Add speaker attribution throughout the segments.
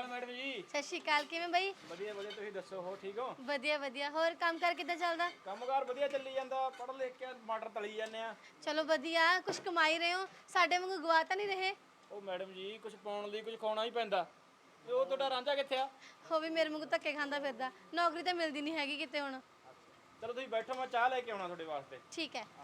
Speaker 1: ਅਕਾਲ madam ਜੀ।
Speaker 2: ਸਤਿ ਸ਼੍ਰੀ ਅਕਾਲ। ਕਿਵੇਂ ਬਈ?
Speaker 1: ਵਧੀਆ ਵਧੀਆ, ਤੁਸੀਂ ਦੱਸੋ ਹੋ ਠੀਕ ਹੋ?
Speaker 2: ਵਧੀਆ ਵਧੀਆ। ਹੋਰ ਕੰਮਕਾਰ ਕਿੱਦਾਂ ਚੱਲਦਾ?
Speaker 1: ਕੰਮਕਾਰ ਵਧੀਆ ਚੱਲੀ ਜਾਂਦਾ, ਪੜ੍ਹ ਲਿਖ ਕੇ ਮਟਰ ਤਲੀ ਜਾਂਦੇ ਆ।
Speaker 2: ਚਲੋ ਵਧੀਆ, ਕੁਝ ਕਮਾਈ ਰਹੇ ਹੋ, ਸਾਡੇ ਵਾਂਗੂ ਗਵਾ ਤਾਂ ਨਹੀਂ ਰਹੇ।
Speaker 1: ਉਹ ਮੈਡਮ ਜੀ ਕੁਝ ਪਾਉਣ ਲਈ ਕੁਝ ਖਾਣਾ ਹੀ ਪੈਂਦਾ। ਤੇ ਉਹ ਤੁਹਾਡਾ ਰਾਂਝਾ ਕਿੱਥੇ ਆ?
Speaker 2: ਉਹ ਵੀ ਮੇਰੇ ਵਾਂਗੂ ਧੱਕੇ ਖਾਂਦਾ ਫਿਰਦਾ, ਨੌਕਰੀ ਤਾਂ ਮਿਲਦੀ ਨਹੀਂ ਹੈਗੀ ਕਿਤੇ ਹੁਣ।
Speaker 1: ਚਲੋ ਤੁਸੀਂ ਬੈਠੋ, ਮੈਂ ਚਾਹ ਲੈ ਕੇ ਆਉਣਾ ਤੁਹਾਡੇ ਵਾਸਤੇ।
Speaker 2: ਠੀਕ ਹੈ।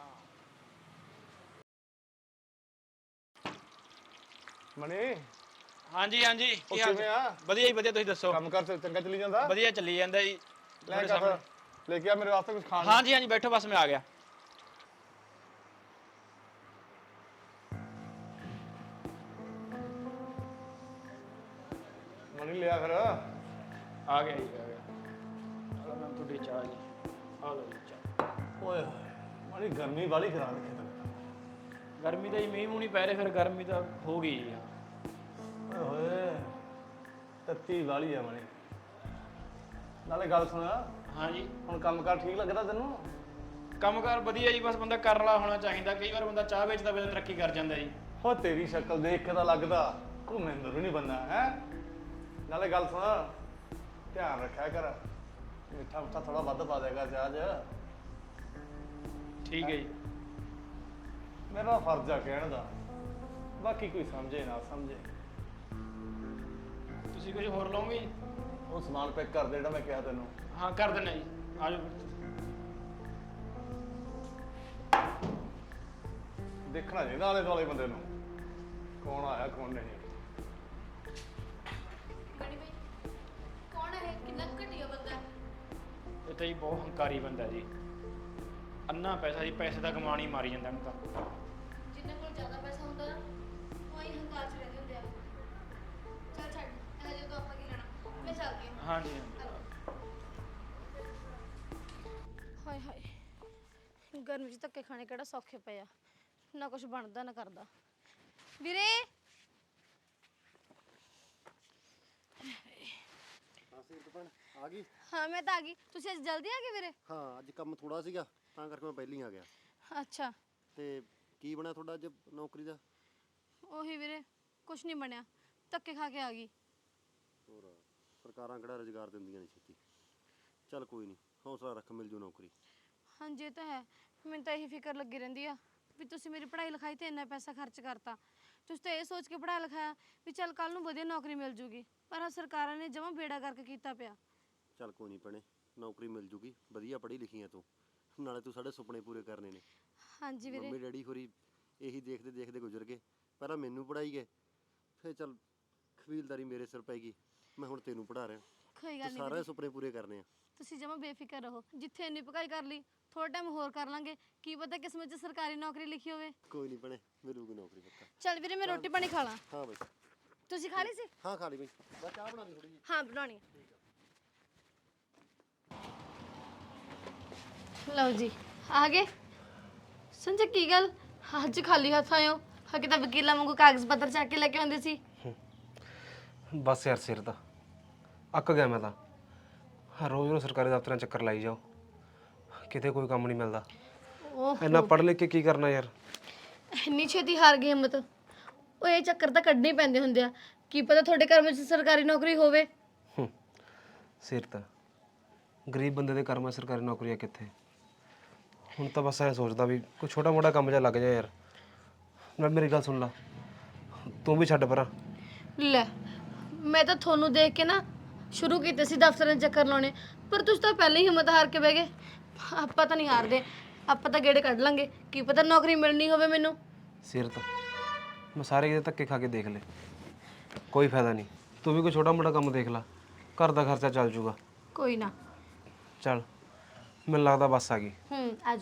Speaker 3: ਮਣੀ
Speaker 1: ਹਾਂਜੀ ਹਾਂਜੀ, ਕੀ ਹਾਲ?
Speaker 3: ਕਿਵੇਂ ਆ?
Speaker 1: ਵਧੀਆ ਜੀ ਵਧੀਆ, ਤੁਸੀਂ ਦੱਸੋ?
Speaker 3: ਕੰਮ ਕਰ ਚੰਗਾ ਚੱਲੀ ਜਾਂਦਾ?
Speaker 1: ਵਧੀਆ ਚੱਲੀ ਜਾਂਦਾ ਜੀ।
Speaker 3: ਲੈ ਕੇ ਲੈ ਕੇ ਆ ਮੇਰੇ ਵਾਸਤੇ ਕੁਝ ਖਾਣ ਨੂੰ।
Speaker 1: ਹਾਂਜੀ ਹਾਂਜੀ, ਬੈਠੋ ਬਸ ਮੈਂ ਆ ਗਿਆ।
Speaker 3: ਮਣੀ ਲਿਆ ਫਿਰ।
Speaker 1: ਆ ਗਿਆ ਜੀ, ਆ ਗਿਆ। ਚਲੋ ਮੈਂ ਤੁਹਾਡੀ ਚਾਹ ਜੀ, ਆ ਲਓ ਜੀ ਚਾਹ।
Speaker 3: ਓਏ ਮਣੀ ਗਰਮੀ ਵਾਲੀ ਕਰਾ ਰੱਖੀ ਤੈਨੂੰ।
Speaker 1: ਗਰਮੀ ਤਾਂ ਜੀ ਮੀਂਹ ਮੂੰਹ ਨਹੀਂ ਪੈ ਰਹੇ, ਫਿਰ ਗਰਮੀ ਤਾਂ ਹੋ ਗਈ ਜੀ।
Speaker 3: ਓਏ ਹੋਏ ਤੱਤੀ ਵਾਲੀ ਆ ਮਣੀ। ਨਾਲੇ ਗੱਲ ਸੁਣ,
Speaker 1: ਹਾਂਜੀ,
Speaker 3: ਹੁਣ ਕੰਮ ਕਾਰ ਠੀਕ ਲੱਗਦਾ ਤੈਨੂੰ?
Speaker 1: ਕੰਮਕਾਰ ਵਧੀਆ ਜੀ, ਬਸ ਬੰਦਾ ਕਰਨ ਵਾਲਾ ਹੋਣਾ ਚਾਹੀਦਾ। ਕਈ ਵਾਰ ਬੰਦਾ ਚਾਹ ਵੇਚਦਾ ਵੇ ਤਰੱਕੀ ਕਰ ਜਾਂਦਾ ਜੀ।
Speaker 3: ਹੋ ਤੇਰੀ ਸ਼ਕਲ ਦੇਖ ਕੇ ਤਾਂ ਲੱਗਦਾ ਤੂੰ ਮਹਿੰਦਰ ਵੀ ਨਹੀਂ ਬੰਦਾ ਹੈ। ਨਾਲੇ ਗੱਲ ਸੁਣ, ਧਿਆਨ ਰੱਖਿਆ ਕਰ, ਮਿੱਠਾ ਮੁੱਠਾ ਥੋੜਾ ਵੱਧ ਪਾ ਦੇਗਾ ਚਾਹ 'ਚ।
Speaker 1: ਠੀਕ ਹੈ ਜੀ।
Speaker 3: ਮੇਰਾ ਫਰਜ਼ ਆ ਕਹਿਣ ਦਾ, ਬਾਕੀ ਕੋਈ ਸਮਝੇ ਨਾ ਸਮਝੇ।
Speaker 1: ਤੁਸੀਂ ਕੁਝ ਹੋਰ ਲਓਗੇ ਜੀ?
Speaker 3: ਉਹ ਸਮਾਨ ਪੈਕ ਕਰ ਦੇ ਜਿਹੜਾ ਮੈਂ ਕਿਹਾ ਤੈਨੂੰ।
Speaker 1: ਹਾਂ ਕਰ ਦਿੰਦਾ ਜੀ, ਆ ਜਾਓ ਫਿਰ।
Speaker 3: ਦੇਖਣਾ ਚਾਹੀਦਾ ਆਲੇ ਦੁਆਲੇ ਬੰਦੇ ਨੂੰ, ਕੌਣ ਆਇਆ ਕੌਣ ਨਹੀਂ।
Speaker 2: ਬੜੀ ਬਈ ਕੌਣ ਹੈ? ਕਿੰਨਾ ਘਟੀਆ ਬੰਦਾ ਹੈ।
Speaker 1: ਇਹ ਤਾਂ ਜੀ ਬਹੁਤ ਹੰਕਾਰੀ ਬੰਦਾ ਜੀ। ਅੰਨਾ ਪੈਸਾ ਜੀ, ਪੈਸੇ ਦਾ ਕਮਾਣ ਹੀ ਮਾਰੀ ਜਾਂਦਾ ਇਹਨੂੰ ਤਾਂ।
Speaker 2: ਜਿੰਨੇ ਕੋਲ ਜ਼ਿਆਦਾ ਪੈਸਾ ਹੁੰਦਾ ਨਾ, ਉਹ ਹੀ ਹੰਕਾਰ 'ਚ ਰਹਿੰਦੇ ਹੁੰਦੇ ਆ। ਚੱਲ ਛੱਡ, ਇਹ ਜਦੋਂ ਆਪਾਂ ਕੀ ਲੈਣਾ, ਮੈਂ ਚੱਲਦੀ ਹਾਂ।
Speaker 1: ਹਾਂਜੀ ਹਾਂਜੀ।
Speaker 2: ਹਾਏ ਹਾਏ, ਗਰਮੀ 'ਚ ਧੱਕੇ ਖਾਣੇ ਕਿਹੜਾ ਸੌਖੇ ਪਏ ਆ, ਨਾ ਕੁਝ ਬਣਦਾ ਨਾ ਕਰਦਾ। ਵੀਰੇ
Speaker 4: ਆ ਗਈ।
Speaker 2: ਹਾਂ ਮੈਂ ਤਾਂ ਆ ਗਈ। ਤੁਸੀਂ ਅੱਜ ਜਲਦੀ ਆ ਗਏ ਵੀਰੇ?
Speaker 4: ਹਾਂ ਅੱਜ ਕੰਮ ਥੋੜਾ ਸੀਗਾ ਤਾਂ ਕਰਕੇ ਮੈਂ ਪਹਿਲਾਂ ਹੀ ਆ ਗਿਆ।
Speaker 2: ਅੱਛਾ।
Speaker 4: ਤੇ ਕੀ ਬਣਿਆ ਤੁਹਾਡਾ ਅੱਜ ਨੌਕਰੀ ਦਾ?
Speaker 2: ਉਹੀ ਵੀਰੇ, ਕੁਝ ਨਹੀਂ ਬਣਿਆ, ਧੱਕੇ ਖਾ ਕੇ ਆ ਗਈ।
Speaker 4: ਹੋਰ ਸਰਕਾਰਾਂ ਕਿਹੜਾ ਰੁਜ਼ਗਾਰ ਦਿੰਦੀਆਂ ਨਹੀਂ ਛੇਤੀ। ਚੱਲ ਕੋਈ ਨਹੀਂ, ਹੌਸਲਾ ਰੱਖ, ਮਿਲ ਜੂ ਨੌਕਰੀ।
Speaker 2: ਹਾਂਜੀ ਇਹ ਤਾਂ ਹੈ। ਮੈਨੂੰ ਤਾਂ ਇਹੀ ਫਿਕਰ ਲੱਗੀ ਰਹਿੰਦੀ ਆ ਵੀ ਤੁਸੀਂ ਮੇਰੀ ਪੜ੍ਹਾਈ ਲਿਖਾਈ ਤੇ ਇੰਨਾ ਪੈਸਾ ਖਰਚ ਕਰਤਾ। ਤੁਸੀਂ ਤਾਂ ਇਹ ਸੋਚ ਕੇ ਪੜ੍ਹਾਇਆ ਲਿਖਾਇਆ ਵੀ ਚੱਲ ਕੱਲ ਨੂੰ ਵਧੀਆ ਨੌਕਰੀ ਮਿਲ ਜੂਗੀ, ਪਰ ਆਹ ਸਰਕਾਰਾਂ ਨੇ ਜਮਾਂ ਬੇੜਾ ਕਰਕੇ ਕੀਤਾ ਪਿਆ।
Speaker 4: ਚੱਲ ਕੋਈ ਨਹੀਂ ਭੈਣੇ, ਨੌਕਰੀ ਮਿਲ ਜੂਗੀ, ਵਧੀਆ ਪੜ੍ਹੀ ਲਿਖੀ ਆ ਤੂੰ, ਨਾਲੇ ਤੂੰ ਸਾਡੇ ਸੁਪਨੇ ਪੂਰੇ ਕਰਨੇ ਨੇ।
Speaker 2: ਹਾਂਜੀ ਵੀਰੇ।
Speaker 4: ਮੰਮੀ ਡੈਡੀ ਹੋਰੀ ਇਹੀ ਦੇਖਦੇ ਦੇਖਦੇ ਗੁਜ਼ਰ ਗਏ, ਪਹਿਲਾਂ ਮੈਨੂੰ ਪੜ੍ਹਾਈ ਗਏ, ਫਿਰ ਚੱਲ ਕਬੀਲਦਾਰੀ ਮੇਰੇ ਸਿਰ ਪੈ ਗਈ, ਮੈਂ ਹੁਣ ਤੈਨੂੰ ਪੜ੍ਹਾ ਰਿਹਾ।
Speaker 2: ਕੋਈ ਗੱਲ
Speaker 4: ਤੂੰ
Speaker 2: ਨਹੀਂ
Speaker 4: ਸਾਰੇ ਸੁਪਨੇ ਪੂਰੇ ਕਰਨੇ ਆ।
Speaker 2: ਤੁਸੀਂ ਜਮਾਂ ਬੇਫਿਕਰ ਰਹੋ, ਜਿੱਥੇ ਇੰਨੀ ਪਕਾਈ ਕਰ ਲਈ ਥੋੜਾ ਟਾਈਮ ਹੋਰ ਕਰ ਲਾਂਗੇ, ਕੀ ਪਤਾ ਕਿਸਮਤ 'ਚ ਸਰਕਾਰੀ ਨੌਕਰੀ ਲਿਖੀ ਹੋਵੇ।
Speaker 4: ਕੋਈ ਨਹੀਂ ਭੈਣੇ, ਮਿਲੂਗੀ ਨੌਕਰੀ ਪੱਕਾ।
Speaker 2: ਚੱਲ ਵੀਰੇ ਮੈਂ ਰੋਟੀ ਪਾਣੀ ਖਾ ਲਾਂ।
Speaker 4: ਹਾਂ ਬਈ।
Speaker 2: ਤੁਸੀਂ ਖਾ ਲਈ ਸੀ?
Speaker 4: ਹਾਂ ਖਾ ਲਈ ਬਈ, ਬਸ ਚਾਹ ਬਣਾ ਲਈ ਥੋੜੀ ਜਿਹੀ।
Speaker 2: ਹਾਂ ਬਣਾਉਣੀ ਹੈ। ਲਓ ਜੀ ਆ ਗਏ। ਸੰਜੇ ਕੀ ਗੱਲ ਅੱਜ ਖਾਲੀ ਹੱਥ ਆਏ ਹੋ? ਹਾਂ ਕਿਤਾ ਵਕੀਲਾਂ ਵਾਂਗੂ ਕਾਗਜ਼ ਪੱਤਰ ਚੱਕ ਕੇ ਲੈ ਕੇ ਆਉਂਦੇ ਸੀ।
Speaker 5: ਬਸ ਯਾਰ ਸਿਰ ਦਾ ਅੱਕ ਗਿਆ ਮੈਂ ਤਾਂ। ਰੋਜ਼ ਰੋਜ਼ ਸਰਕਾਰੀ ਦਫ਼ਤਰਾਂ ਚੱਕਰ ਲਾਈ ਜਾਓ, ਕਿਤੇ ਕੋਈ ਕੰਮ ਨਹੀਂ ਮਿਲਦਾ। ਇੰਨਾ ਪੜ੍ਹ ਲਿਖ ਕੇ ਕੀ ਕਰਨਾ ਯਾਰ।
Speaker 2: ਇੰਨੀ ਛੇਤੀ ਹਾਰ ਗਈ ਹਿੰਮਤ? ਉਹ ਇਹ ਚੱਕਰ ਤਾਂ ਕੱਢਣੇ ਪੈਂਦੇ ਹੁੰਦੇ ਆ, ਕੀ ਪਤਾ ਤੁਹਾਡੇ ਘਰ ਵਿੱਚ ਸਰਕਾਰੀ ਨੌਕਰੀ ਹੋਵੇ।
Speaker 5: ਸਿਰ ਤਾਂ ਗਰੀਬ ਬੰਦੇ ਦੇ ਕਰਮਾਂ ਸਰਕਾਰੀ ਨੌਕਰੀਆਂ ਕਿੱਥੇ। ਹੁਣ ਤਾਂ ਬਸ ਐਂ ਸੋਚਦਾ ਵੀ ਕੋਈ ਛੋਟਾ ਮੋਟਾ ਕੰਮ ਜਿਹਾ ਲੱਗ ਜਾ ਯਾਰ। ਨਾਲ ਮੇਰੀ ਗੱਲ ਸੁਣ ਲਾ, ਤੂੰ ਵੀ ਛੱਡ ਪਰਾਂ।
Speaker 2: ਲੈ ਮੈਂ ਤਾਂ ਤੁਹਾਨੂੰ ਦੇਖ ਕੇ ਨਾ ਸ਼ੁਰੂ ਕੀਤੇ ਸੀ ਦਫ਼ਤਰਾਂ 'ਚ ਚੱਕਰ ਲਾਉਣੇ, ਪਰ ਤੁਸੀਂ ਤਾਂ ਪਹਿਲਾਂ ਹੀ ਹਿੰਮਤ ਹਾਰ ਕੇ ਬਹਿ ਗਏ। ਆਪਾਂ ਤਾਂ ਨਹੀਂ ਹਾਰਦੇ, ਆਪਾਂ ਤਾਂ ਗੇੜੇ ਕੱਢ ਲਾਂਗੇ, ਕੀ ਪਤਾ ਨੌਕਰੀ ਮਿਲਣੀ ਹੋਵੇ ਮੈਨੂੰ।
Speaker 5: ਸਿਰ ਤਾਂ ਮੈਂ ਸਾਰੇ ਕਿਤੇ ਧੱਕੇ ਖਾ ਕੇ ਦੇਖ ਲਏ, ਕੋਈ ਫਾਇਦਾ ਨਹੀਂ। ਤੂੰ ਵੀ ਕੋਈ ਛੋਟਾ ਮੋਟਾ ਕੰਮ ਦੇਖ ਲਾ, ਘਰ ਦਾ ਖਰਚਾ ਚੱਲ ਜੂਗਾ।
Speaker 2: ਕੋਈ ਨਾ।
Speaker 5: ਚੱਲ ਮੈਨੂੰ ਲੱਗਦਾ ਬੱਸ ਆ ਗਈ।
Speaker 2: ਆਜੋ।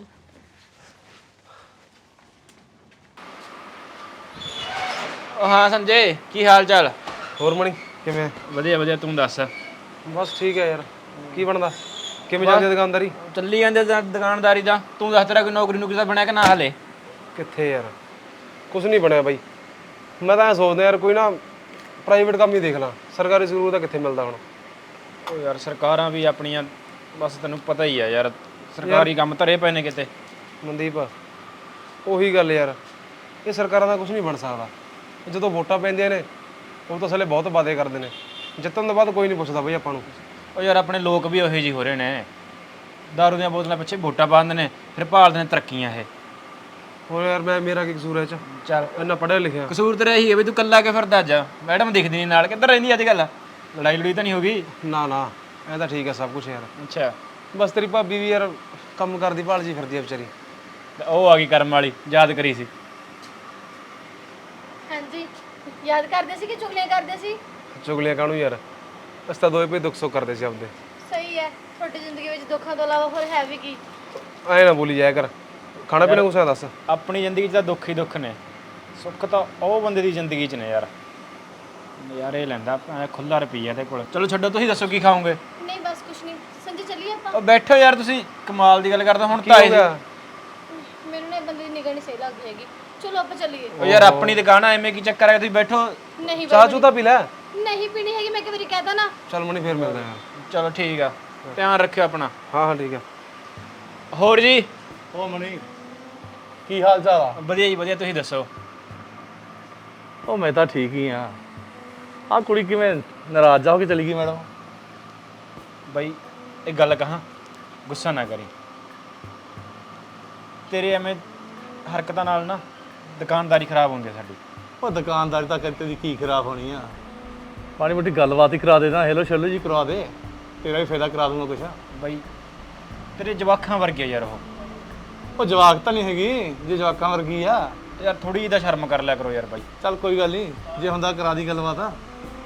Speaker 1: ਹਾਂ ਸੰਜੇ, ਕੀ ਹਾਲ ਚਾਲ?
Speaker 5: ਹੋਰ ਮਣੀ ਕਿਵੇਂ?
Speaker 1: ਵਧੀਆ ਵਧੀਆ, ਤੂੰ ਦੱਸ?
Speaker 5: ਬਸ ਠੀਕ ਹੈ ਯਾਰ। ਕੀ ਬਣਦਾ, ਕਿਵੇਂ ਚੱਲਦੀ ਦੁਕਾਨਦਾਰੀ?
Speaker 1: ਚੱਲੀ ਜਾਂਦੇ ਦੁਕਾਨਦਾਰੀ ਦਾ। ਤੂੰ ਦੱਸ, ਤੇਰਾ ਕੋਈ ਨੌਕਰੀ ਨੁਕਰੀ ਦਾ ਬਣਿਆ ਕਿ ਨਾ ਹਲੇ?
Speaker 5: ਕਿੱਥੇ ਯਾਰ, ਕੁਝ ਨਹੀਂ ਬਣਿਆ ਬਾਈ। ਮੈਂ ਤਾਂ ਐਂ ਸੋਚਦਾ ਯਾਰ ਕੋਈ ਨਾ ਪ੍ਰਾਈਵੇਟ ਕੰਮ ਹੀ ਦੇਖ ਲਾਂ, ਸਰਕਾਰੀ ਸਕੂਲ ਤਾਂ ਕਿੱਥੇ ਮਿਲਦਾ ਹੁਣ।
Speaker 1: ਉਹ ਯਾਰ ਸਰਕਾਰਾਂ ਵੀ ਆਪਣੀਆਂ, ਬਸ ਤੈਨੂੰ ਪਤਾ ਹੀ ਆ ਯਾਰ, ਸਰਕਾਰੀ ਕੰਮ ਧਰੇ ਪਏ ਨੇ ਕਿਤੇ।
Speaker 5: ਮਨਦੀਪ ਉਹੀ ਗੱਲ ਯਾਰ, ਇਹ ਸਰਕਾਰਾਂ ਦਾ ਕੁਝ ਨਹੀਂ ਬਣ ਸਕਦਾ। ਜਦੋਂ ਵੋਟਾਂ ਪੈਂਦੀਆਂ ਨੇ ਉਹ ਤਾਂ ਸਾਲੇ ਬਹੁਤ ਵਾਅਦੇ ਕਰਦੇ ਨੇ, ਜਿੱਤਣ ਤੋਂ ਬਾਅਦ ਕੋਈ ਨਹੀਂ ਪੁੱਛਦਾ ਬਈ ਆਪਾਂ ਨੂੰ।
Speaker 1: ਉਹ ਯਾਰ ਆਪਣੇ ਲੋਕ ਵੀ ਉਹੋ ਜਿਹੇ ਹੋ ਰਹੇ ਨੇ, ਦਾਰੂ ਦੀਆਂ ਬੋਤਲਾਂ ਪਿੱਛੇ ਵੋਟਾਂ ਪਾਉਂਦੇ ਨੇ, ਫਿਰ ਭਾਲਦੇ ਨੇ ਤਰੱਕੀਆਂ ਇਹ।
Speaker 5: ਹੋਰ ਯਾਰ ਮੇਰਾ ਕੀ ਕਸੂਰ ਹੈ ਇਹ ਚ?
Speaker 1: ਚੱਲ
Speaker 5: ਇੰਨਾ ਪੜ੍ਹਿਆ ਲਿਖਿਆ।
Speaker 1: ਕਸੂਰ ਤੇਰਾ ਇਹੀ ਹੈ ਵੀ ਤੂੰ ਕੱਲਾ ਕੇ ਫਿਰਦਾ ਅੱਜ। ਮੈਡਮ ਦਿਖਦੀ ਨਹੀਂ ਨਾਲ, ਕਿੱਧਰ ਰਹਿੰਦੀ ਅੱਜ ਕੱਲ? ਲੜਾਈ ਲੜੀ ਤਾਂ ਨਹੀਂ ਹੋ ਗਈ?
Speaker 5: ਨਾ ਨਾ ਐ ਤਾਂ ਠੀਕ ਹੈ ਸਭ ਕੁਝ ਯਾਰ।
Speaker 1: ਅੱਛਾ,
Speaker 5: ਬਸ ਤੇਰੀ ਭਾਬੀ ਵੀ ਯਾਰ ਕੰਮ ਕਰਦੀ ਭਾਲ ਜੀ ਫਿਰਦੀ ਆ ਵਿਚਾਰੀ।
Speaker 1: ਤੇ ਉਹ ਆ ਗਈ ਕਰਮ ਵਾਲੀ, ਯਾਦ ਕਰੀ ਸੀ।
Speaker 2: ਹਾਂਜੀ, ਯਾਦ ਕਰਦੇ ਸੀ ਕਿ ਚੁਗਲੀਆਂ ਕਰਦੇ ਸੀ?
Speaker 5: ਚੁਗਲੀਆਂ ਕਾਹਨੂੰ ਯਾਰ, ਅਸੀਂ ਤਾਂ ਦੋਵੇਂ ਭਈ ਦੁੱਖ ਸੁੱਖ ਕਰਦੇ ਸੀ ਆਪਦੇ।
Speaker 2: ਸਹੀ ਹੈ, ਤੁਹਾਡੀ ਜ਼ਿੰਦਗੀ ਵਿੱਚ ਦੁੱਖਾਂ ਤੋਂ ਇਲਾਵਾ ਹੋਰ ਹੈ ਵੀ ਕੀ?
Speaker 5: ਐ ਨਾ ਬੋਲੀ ਜਾਇਆ ਕਰ, ਖਾਣਾ ਪੀਣਾ ਕੁਛ ਹੈ ਦੱਸ।
Speaker 1: ਆਪਣੀ ਜ਼ਿੰਦਗੀ 'ਚ ਤਾਂ ਦੁੱਖ ਹੀ ਦੁੱਖ ਨੇ, ਸੁੱਖ ਤਾਂ ਉਹ ਬੰਦੇ ਦੀ ਜ਼ਿੰਦਗੀ 'ਚ ਨੇ ਯਾਰ। ਨਜ਼ਾਰੇ ਲੈਂਦਾ ਖੁੱਲਾ ਰੁਪਈਆ ਇਹਦੇ ਕੋਲ। ਚਲੋ ਛੱਡੋ, ਤੁਸੀਂ ਦੱਸੋ ਕੀ ਖਾਓਗੇ?
Speaker 2: ਨਹੀਂ ਬਸ ਕੁਛ ਨਹੀਂ, ਸੰਜੇ ਚੱਲੀਏ ਆਪਾਂ।
Speaker 1: ਉਹ ਬੈਠੋ ਯਾਰ, ਤੁਸੀਂ ਕਮਾਲ ਦੀ ਗੱਲ ਕਰਦਾ। ਹੁਣ
Speaker 5: ਕੀ
Speaker 1: ਤਾਂ
Speaker 5: ਹੋ ਗਿਆ?
Speaker 2: ਮੈਨੂੰ ਨਾ ਇਹ ਬੰਦੇ ਦੀ ਨਿਗਾਹ ਨਹੀਂ ਸਹੀ ਲੱਗਦੀ ਹੈਗੀ। ਚਲੋ ਆਪਾਂ ਚੱਲੀਏ।
Speaker 1: ਉਹ ਯਾਰ ਆਪਣੀ ਦੁਕਾਨ ਆ, ਐਵੇਂ ਕੀ ਚੱਕਰ ਹੈ? ਤੁਸੀਂ ਬੈਠੋ।
Speaker 2: ਨਹੀਂ
Speaker 5: ਚਾਹ ਚੂਹ ਤਾਂ ਪੀ ਲੈ।
Speaker 2: ਨਹੀਂ ਪੀਣੀ ਹੈਗੀ, ਮੈਂ ਇੱਕ ਵਾਰੀ ਕਹਿਤਾ ਨਾ।
Speaker 5: ਚੱਲ ਮਣੀ ਫੇਰ ਮਿਲਦੇ ਯਾਰ।
Speaker 1: ਚਲੋ ਠੀਕ ਆ, ਧਿਆਨ ਰੱਖਿਓ ਆਪਣਾ।
Speaker 5: ਹਾਂ ਹਾਂ ਠੀਕ ਹੈ।
Speaker 1: ਹੋਰ ਜੀ?
Speaker 3: ਉਹ ਮਣੀ, ਕੀ ਹਾਲ ਚਾਲ ਆ?
Speaker 1: ਵਧੀਆ ਜੀ ਵਧੀਆ, ਤੁਸੀਂ ਦੱਸੋ।
Speaker 3: ਉਹ ਮੈਂ ਤਾਂ ਠੀਕ ਹੀ ਆ। ਆਹ ਕੁੜੀ ਕਿਵੇਂ ਨਾਰਾਜ਼ ਜਾ ਹੋ ਕੇ ਚਲੀ ਗਈ ਮੈਡਮ?
Speaker 1: ਬਾਈ ਇਹ ਗੱਲ ਕਹਾਂ, ਗੁੱਸਾ ਨਾ ਕਰੀ। ਤੇਰੇ ਐਵੇਂ ਹਰਕਤਾਂ ਨਾਲ ਨਾ ਦੁਕਾਨਦਾਰੀ ਖਰਾਬ ਹੁੰਦੀ ਹੈ ਸਾਡੀ।
Speaker 3: ਉਹ ਦੁਕਾਨਦਾਰੀ ਤਾਂ ਕਦੇ ਦੀ ਕੀ ਖਰਾਬ ਹੋਣੀ ਆ? ਮਾੜੀ ਮੋਟੀ ਗੱਲਬਾਤ ਹੀ ਕਰਾ ਦੇ ਨਾ, ਹੈਲੋ ਸ਼ੈਲੋ ਜੀ ਕਰਵਾ ਦੇ, ਤੇਰਾ ਵੀ ਫਾਇਦਾ ਕਰਾ ਦੂੰਗਾ ਕੁਛ।
Speaker 1: ਬਾਈ ਤੇਰੇ ਜਵਾਕਾਂ ਵਰਗੇ ਯਾਰ ਉਹ।
Speaker 3: ਉਹ ਜਵਾਕ ਤਾਂ ਨਹੀਂ ਹੈਗੀ, ਜੇ ਜਵਾਕਾਂ ਵਰਗੀ ਆ।
Speaker 1: ਯਾਰ ਥੋੜੀ ਜਿਹੀ ਤਾਂ ਸ਼ਰਮ ਕਰ ਲਿਆ ਕਰੋ ਯਾਰ ਬਾਈ।
Speaker 3: ਚੱਲ ਕੋਈ ਗੱਲ ਨਹੀਂ, ਜੇ ਹੁੰਦਾ ਕਰਾ ਦੀ ਗੱਲਬਾਤ ਆ।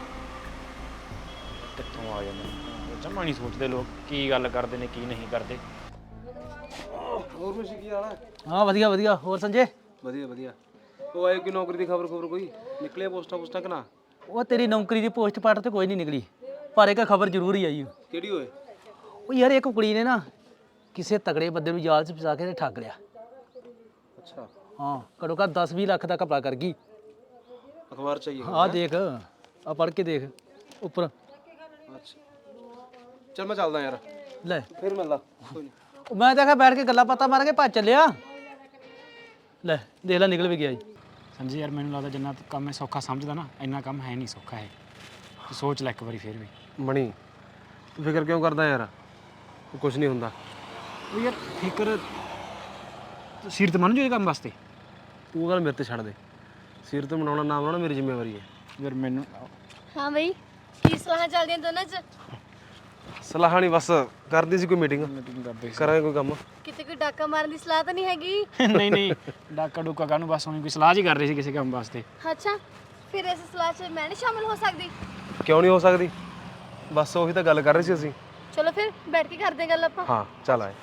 Speaker 1: ਕਿੱਥੋਂ ਆ ਜਾਂਦੇ ਨੇ ਜਮਾ ਨਹੀਂ ਸੋਚਦੇ ਲੋਕ, ਕੀ ਗੱਲ ਕਰਦੇ ਨੇ ਕੀ ਨਹੀਂ ਕਰਦੇ।
Speaker 5: ਹੋਰ ਕੁਛ ਕੀ ਹਾਲ ਹੈ?
Speaker 6: ਹਾਂ ਵਧੀਆ ਵਧੀਆ। ਹੋਰ ਸੰਜੇ?
Speaker 5: ਵਧੀਆ ਵਧੀਆ। ਉਹ ਆਏ ਕੋਈ ਨੌਕਰੀ ਦੀ ਖਬਰ ਕੋਈ ਨਿਕਲਿਆ ਪੋਸਟਾਂ ਪੁਸਟਾਂ ਕਿ ਨਾ?
Speaker 6: ਉਹ ਤੇਰੀ ਨੌਕਰੀ ਦੀ ਪੋਸਟ ਪਾਟ ਤੇ ਕੋਈ ਨਹੀਂ ਨਿਕਲੀ, ਪਰ ਇੱਕ ਖਬਰ ਜ਼ਰੂਰ ਹੀ ਆਈ।
Speaker 5: ਕਿਹੜੀ ਹੋਏ?
Speaker 6: ਉਹ ਯਾਰ ਇੱਕ ਕੁੜੀ ਨੇ ਨਾ ਕਿਸੇ ਤਗੜੇ ਬੰਦੇ ਨੂੰ ਜਾਲ 'ਚ ਫਸਾ ਕੇ ਤੇ ਠੱਗ ਲਿਆ।
Speaker 5: ਅੱਛਾ,
Speaker 6: ਹਾਂ ਘੱਟੋ ਘੱਟ 10-20 ਲੱਖ ਦਾ ਘਪਲਾ ਕਰ ਗਈ।
Speaker 5: ਅਖਬਾਰ ਚਾਹੀਏ?
Speaker 6: ਆਹ ਦੇਖ, ਆ ਪੜ੍ਹ ਕੇ ਦੇਖ ਉੱਪਰ।
Speaker 5: ਅੱਛਾ ਚੱਲ ਮੈਂ ਚੱਲਦਾ ਯਾਰ,
Speaker 6: ਲੈ
Speaker 5: ਫਿਰ ਮਿਲਦਾ। ਕੋਈ ਨਹੀਂ।
Speaker 6: ਉਹ ਮੈਂ ਤਾਂ ਆਖਿਆ ਬੈਠ ਕੇ ਗੱਲਾਂ ਬਾਤਾਂ ਮਾਰ ਕੇ ਭੱਜ ਚੱਲਿਆ। ਲੈ ਦੇਖ ਲੈ ਨਿਕਲ ਵੀ ਗਿਆ ਜੀ।
Speaker 1: ਸੰਜੀ ਯਾਰ ਮੈਨੂੰ ਲੱਗਦਾ ਜਿੰਨਾ ਤੂੰ ਕੰਮ ਹੈ ਸੌਖਾ ਸਮਝਦਾ ਨਾ, ਇੰਨਾ ਕੰਮ ਹੈ ਨਹੀਂ ਸੌਖਾ ਹੈ। ਤੂੰ ਸੋਚ ਲੈ ਇੱਕ ਵਾਰੀ ਫਿਰ ਵੀ।
Speaker 5: ਮਣੀ ਤੂੰ ਫਿਕਰ ਕਿਉਂ ਕਰਦਾ ਯਾਰ? ਕੁਝ ਨਹੀਂ ਹੁੰਦਾ।
Speaker 1: ਉਹ ਯਾਰ ਫਿਕਰ ਸਿਰ ਤੇ ਮੰਨ ਜੋ ਇਹ ਕੰਮ ਵਾਸਤੇ।
Speaker 5: ਤੂੰ ਗੱਲ ਮੇਰੇ ਤੇ ਛੱਡ ਦੇ। ਸਿਰ ਤੇ ਬਣਾਉਣਾ ਨਾ ਬਣਾਉਣਾ ਮੇਰੀ ਜ਼ਿੰਮੇਵਾਰੀ ਹੈ।
Speaker 1: ਯਾਰ ਮੈਨੂੰ
Speaker 2: ਹਾਂ ਬਈ, ਕੀ ਸਲਾਹਾਂ ਚੱਲਦੀਆਂ ਦੋਨਾਂ 'ਚ?
Speaker 5: ਸਲਾਹ ਨਹੀਂ, ਬਸ ਕਰਦੀ ਸੀ ਕੋਈ ਮੀਟਿੰਗ,
Speaker 1: ਮੀਟਿੰਗ ਕਰਦੇ
Speaker 5: ਕਰਾਂਗੇ ਕੋਈ ਕੰਮ।
Speaker 2: ਕਿਤੇ ਕੋਈ ਡਾਕਾ ਮਾਰਨ ਦੀ ਸਲਾਹ ਤਾਂ ਨਹੀਂ ਹੈਗੀ?
Speaker 1: ਨਹੀਂ ਨਹੀਂ, ਡਾਕਾ ਡੂਕਾ ਕਾਹਨੂੰ, ਬਸ ਉਹਨੇ ਕੋਈ ਸਲਾਹ ਜੀ ਕਰ ਰਹੀ ਸੀ ਕਿਸੇ ਕੰਮ ਵਾਸਤੇ।
Speaker 2: ਅੱਛਾ, ਫਿਰ ਇਸ ਸਲਾਹ 'ਚ ਮੈਂ ਨਹੀਂ ਸ਼ਾਮਿਲ ਹੋ ਸਕਦੀ?
Speaker 5: ਕਿਉਂ ਨਹੀਂ ਹੋ ਸਕਦੀ? ਬਸ ਉਹੀ ਤਾਂ ਗੱਲ ਕਰ ਰਹੇ ਸੀ ਅਸੀਂ।
Speaker 2: ਚਲੋ ਫਿਰ ਬੈਠ ਕੇ ਕਰਦੇ ਗੱਲ ਆਪਾਂ।
Speaker 5: ਹਾਂ ਚੱਲ ਆਏ।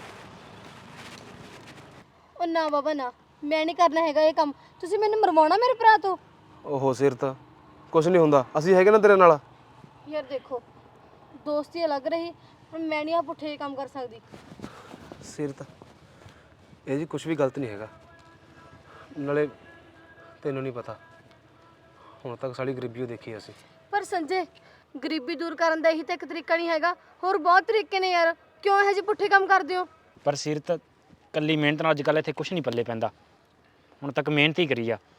Speaker 2: ਉਹ ਨਾ ਬਾਬਾ ਨਾ, ਮੈਂ ਨਹੀਂ ਕਰਨਾ ਹੈਗਾ ਇਹ ਕੰਮ। ਤੁਸੀਂ ਮੈਨੂੰ ਮਰਵਾਉਣਾ ਮੇਰੇ ਭਰਾ ਤੋਂ?
Speaker 5: ਓਹੋ ਸਿਰ ਤਾਂ ਕੁਝ ਨਹੀਂ ਹੁੰਦਾ, ਅਸੀਂ ਹੈਗੇ ਨਾ ਤੇਰੇ ਨਾਲ।
Speaker 2: ਯਾਰ ਦੇਖੋ, ਦੋਸਤੀ ਅਲੱਗ ਰਹੀ, ਪਰ ਮੈਂ ਨਹੀਂ ਆ ਪੁੱਠੇ ਜਿਹੇ ਕੰਮ ਕਰ ਸਕਦੀ।
Speaker 5: ਸਿਰ ਤਾਂ ਇਹ ਜੀ ਕੁਝ ਵੀ ਗਲਤ ਨਹੀਂ ਹੈਗਾ। ਨਾਲੇ ਤੈਨੂੰ ਨਹੀਂ ਪਤਾ, ਹੁਣ ਤੱਕ ਸਾਡੀ ਗਰੀਬੀ ਉਹ ਦੇਖੀ ਅਸੀਂ।
Speaker 2: ਪਰ ਸੰਜੇ, ਗਰੀਬੀ ਦੂਰ ਕਰਨ ਦਾ ਇਹੀ ਤਾਂ ਇੱਕ ਤਰੀਕਾ ਨਹੀਂ ਹੈਗਾ, ਹੋਰ ਬਹੁਤ ਤਰੀਕੇ ਨੇ ਯਾਰ। ਕਿਉਂ ਇਹੋ ਜਿਹੇ ਪੁੱਠੇ ਕੰਮ ਕਰਦੇ ਹੋ?
Speaker 1: ਪਰ ਸਿਰ ਤਾਂ ਕੱਲੀ ਮਿਹਨਤ ਨਾਲ ਅੱਜ ਕੱਲ੍ਹ ਇੱਥੇ ਕੁਝ ਨਹੀਂ ਪੱਲੇ ਪੈਂਦਾ। ਹੁਣ ਤੱਕ ਮਿਹਨਤ ਹੀ ਕਰੀ ਆ।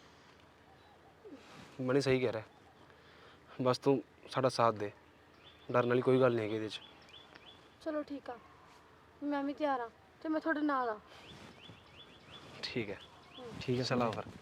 Speaker 5: ਮਣੀ ਸਹੀ ਕਹਿ ਰਿਹਾ, ਬਸ ਤੂੰ ਸਾਡਾ ਸਾਥ ਦੇ। ਡਰਨ ਵਾਲੀ ਕੋਈ ਗੱਲ ਨਹੀਂ ਹੈਗੀ ਇਹਦੇ 'ਚ।
Speaker 2: ਚਲੋ ਠੀਕ ਆ, ਮੈਂ ਵੀ ਤਿਆਰ ਆ ਤੇ ਮੈਂ ਤੁਹਾਡੇ ਨਾਲ ਆ।
Speaker 5: ਠੀਕ ਹੈ ਠੀਕ ਹੈ, ਸਲਾਹ ਫਿਰ।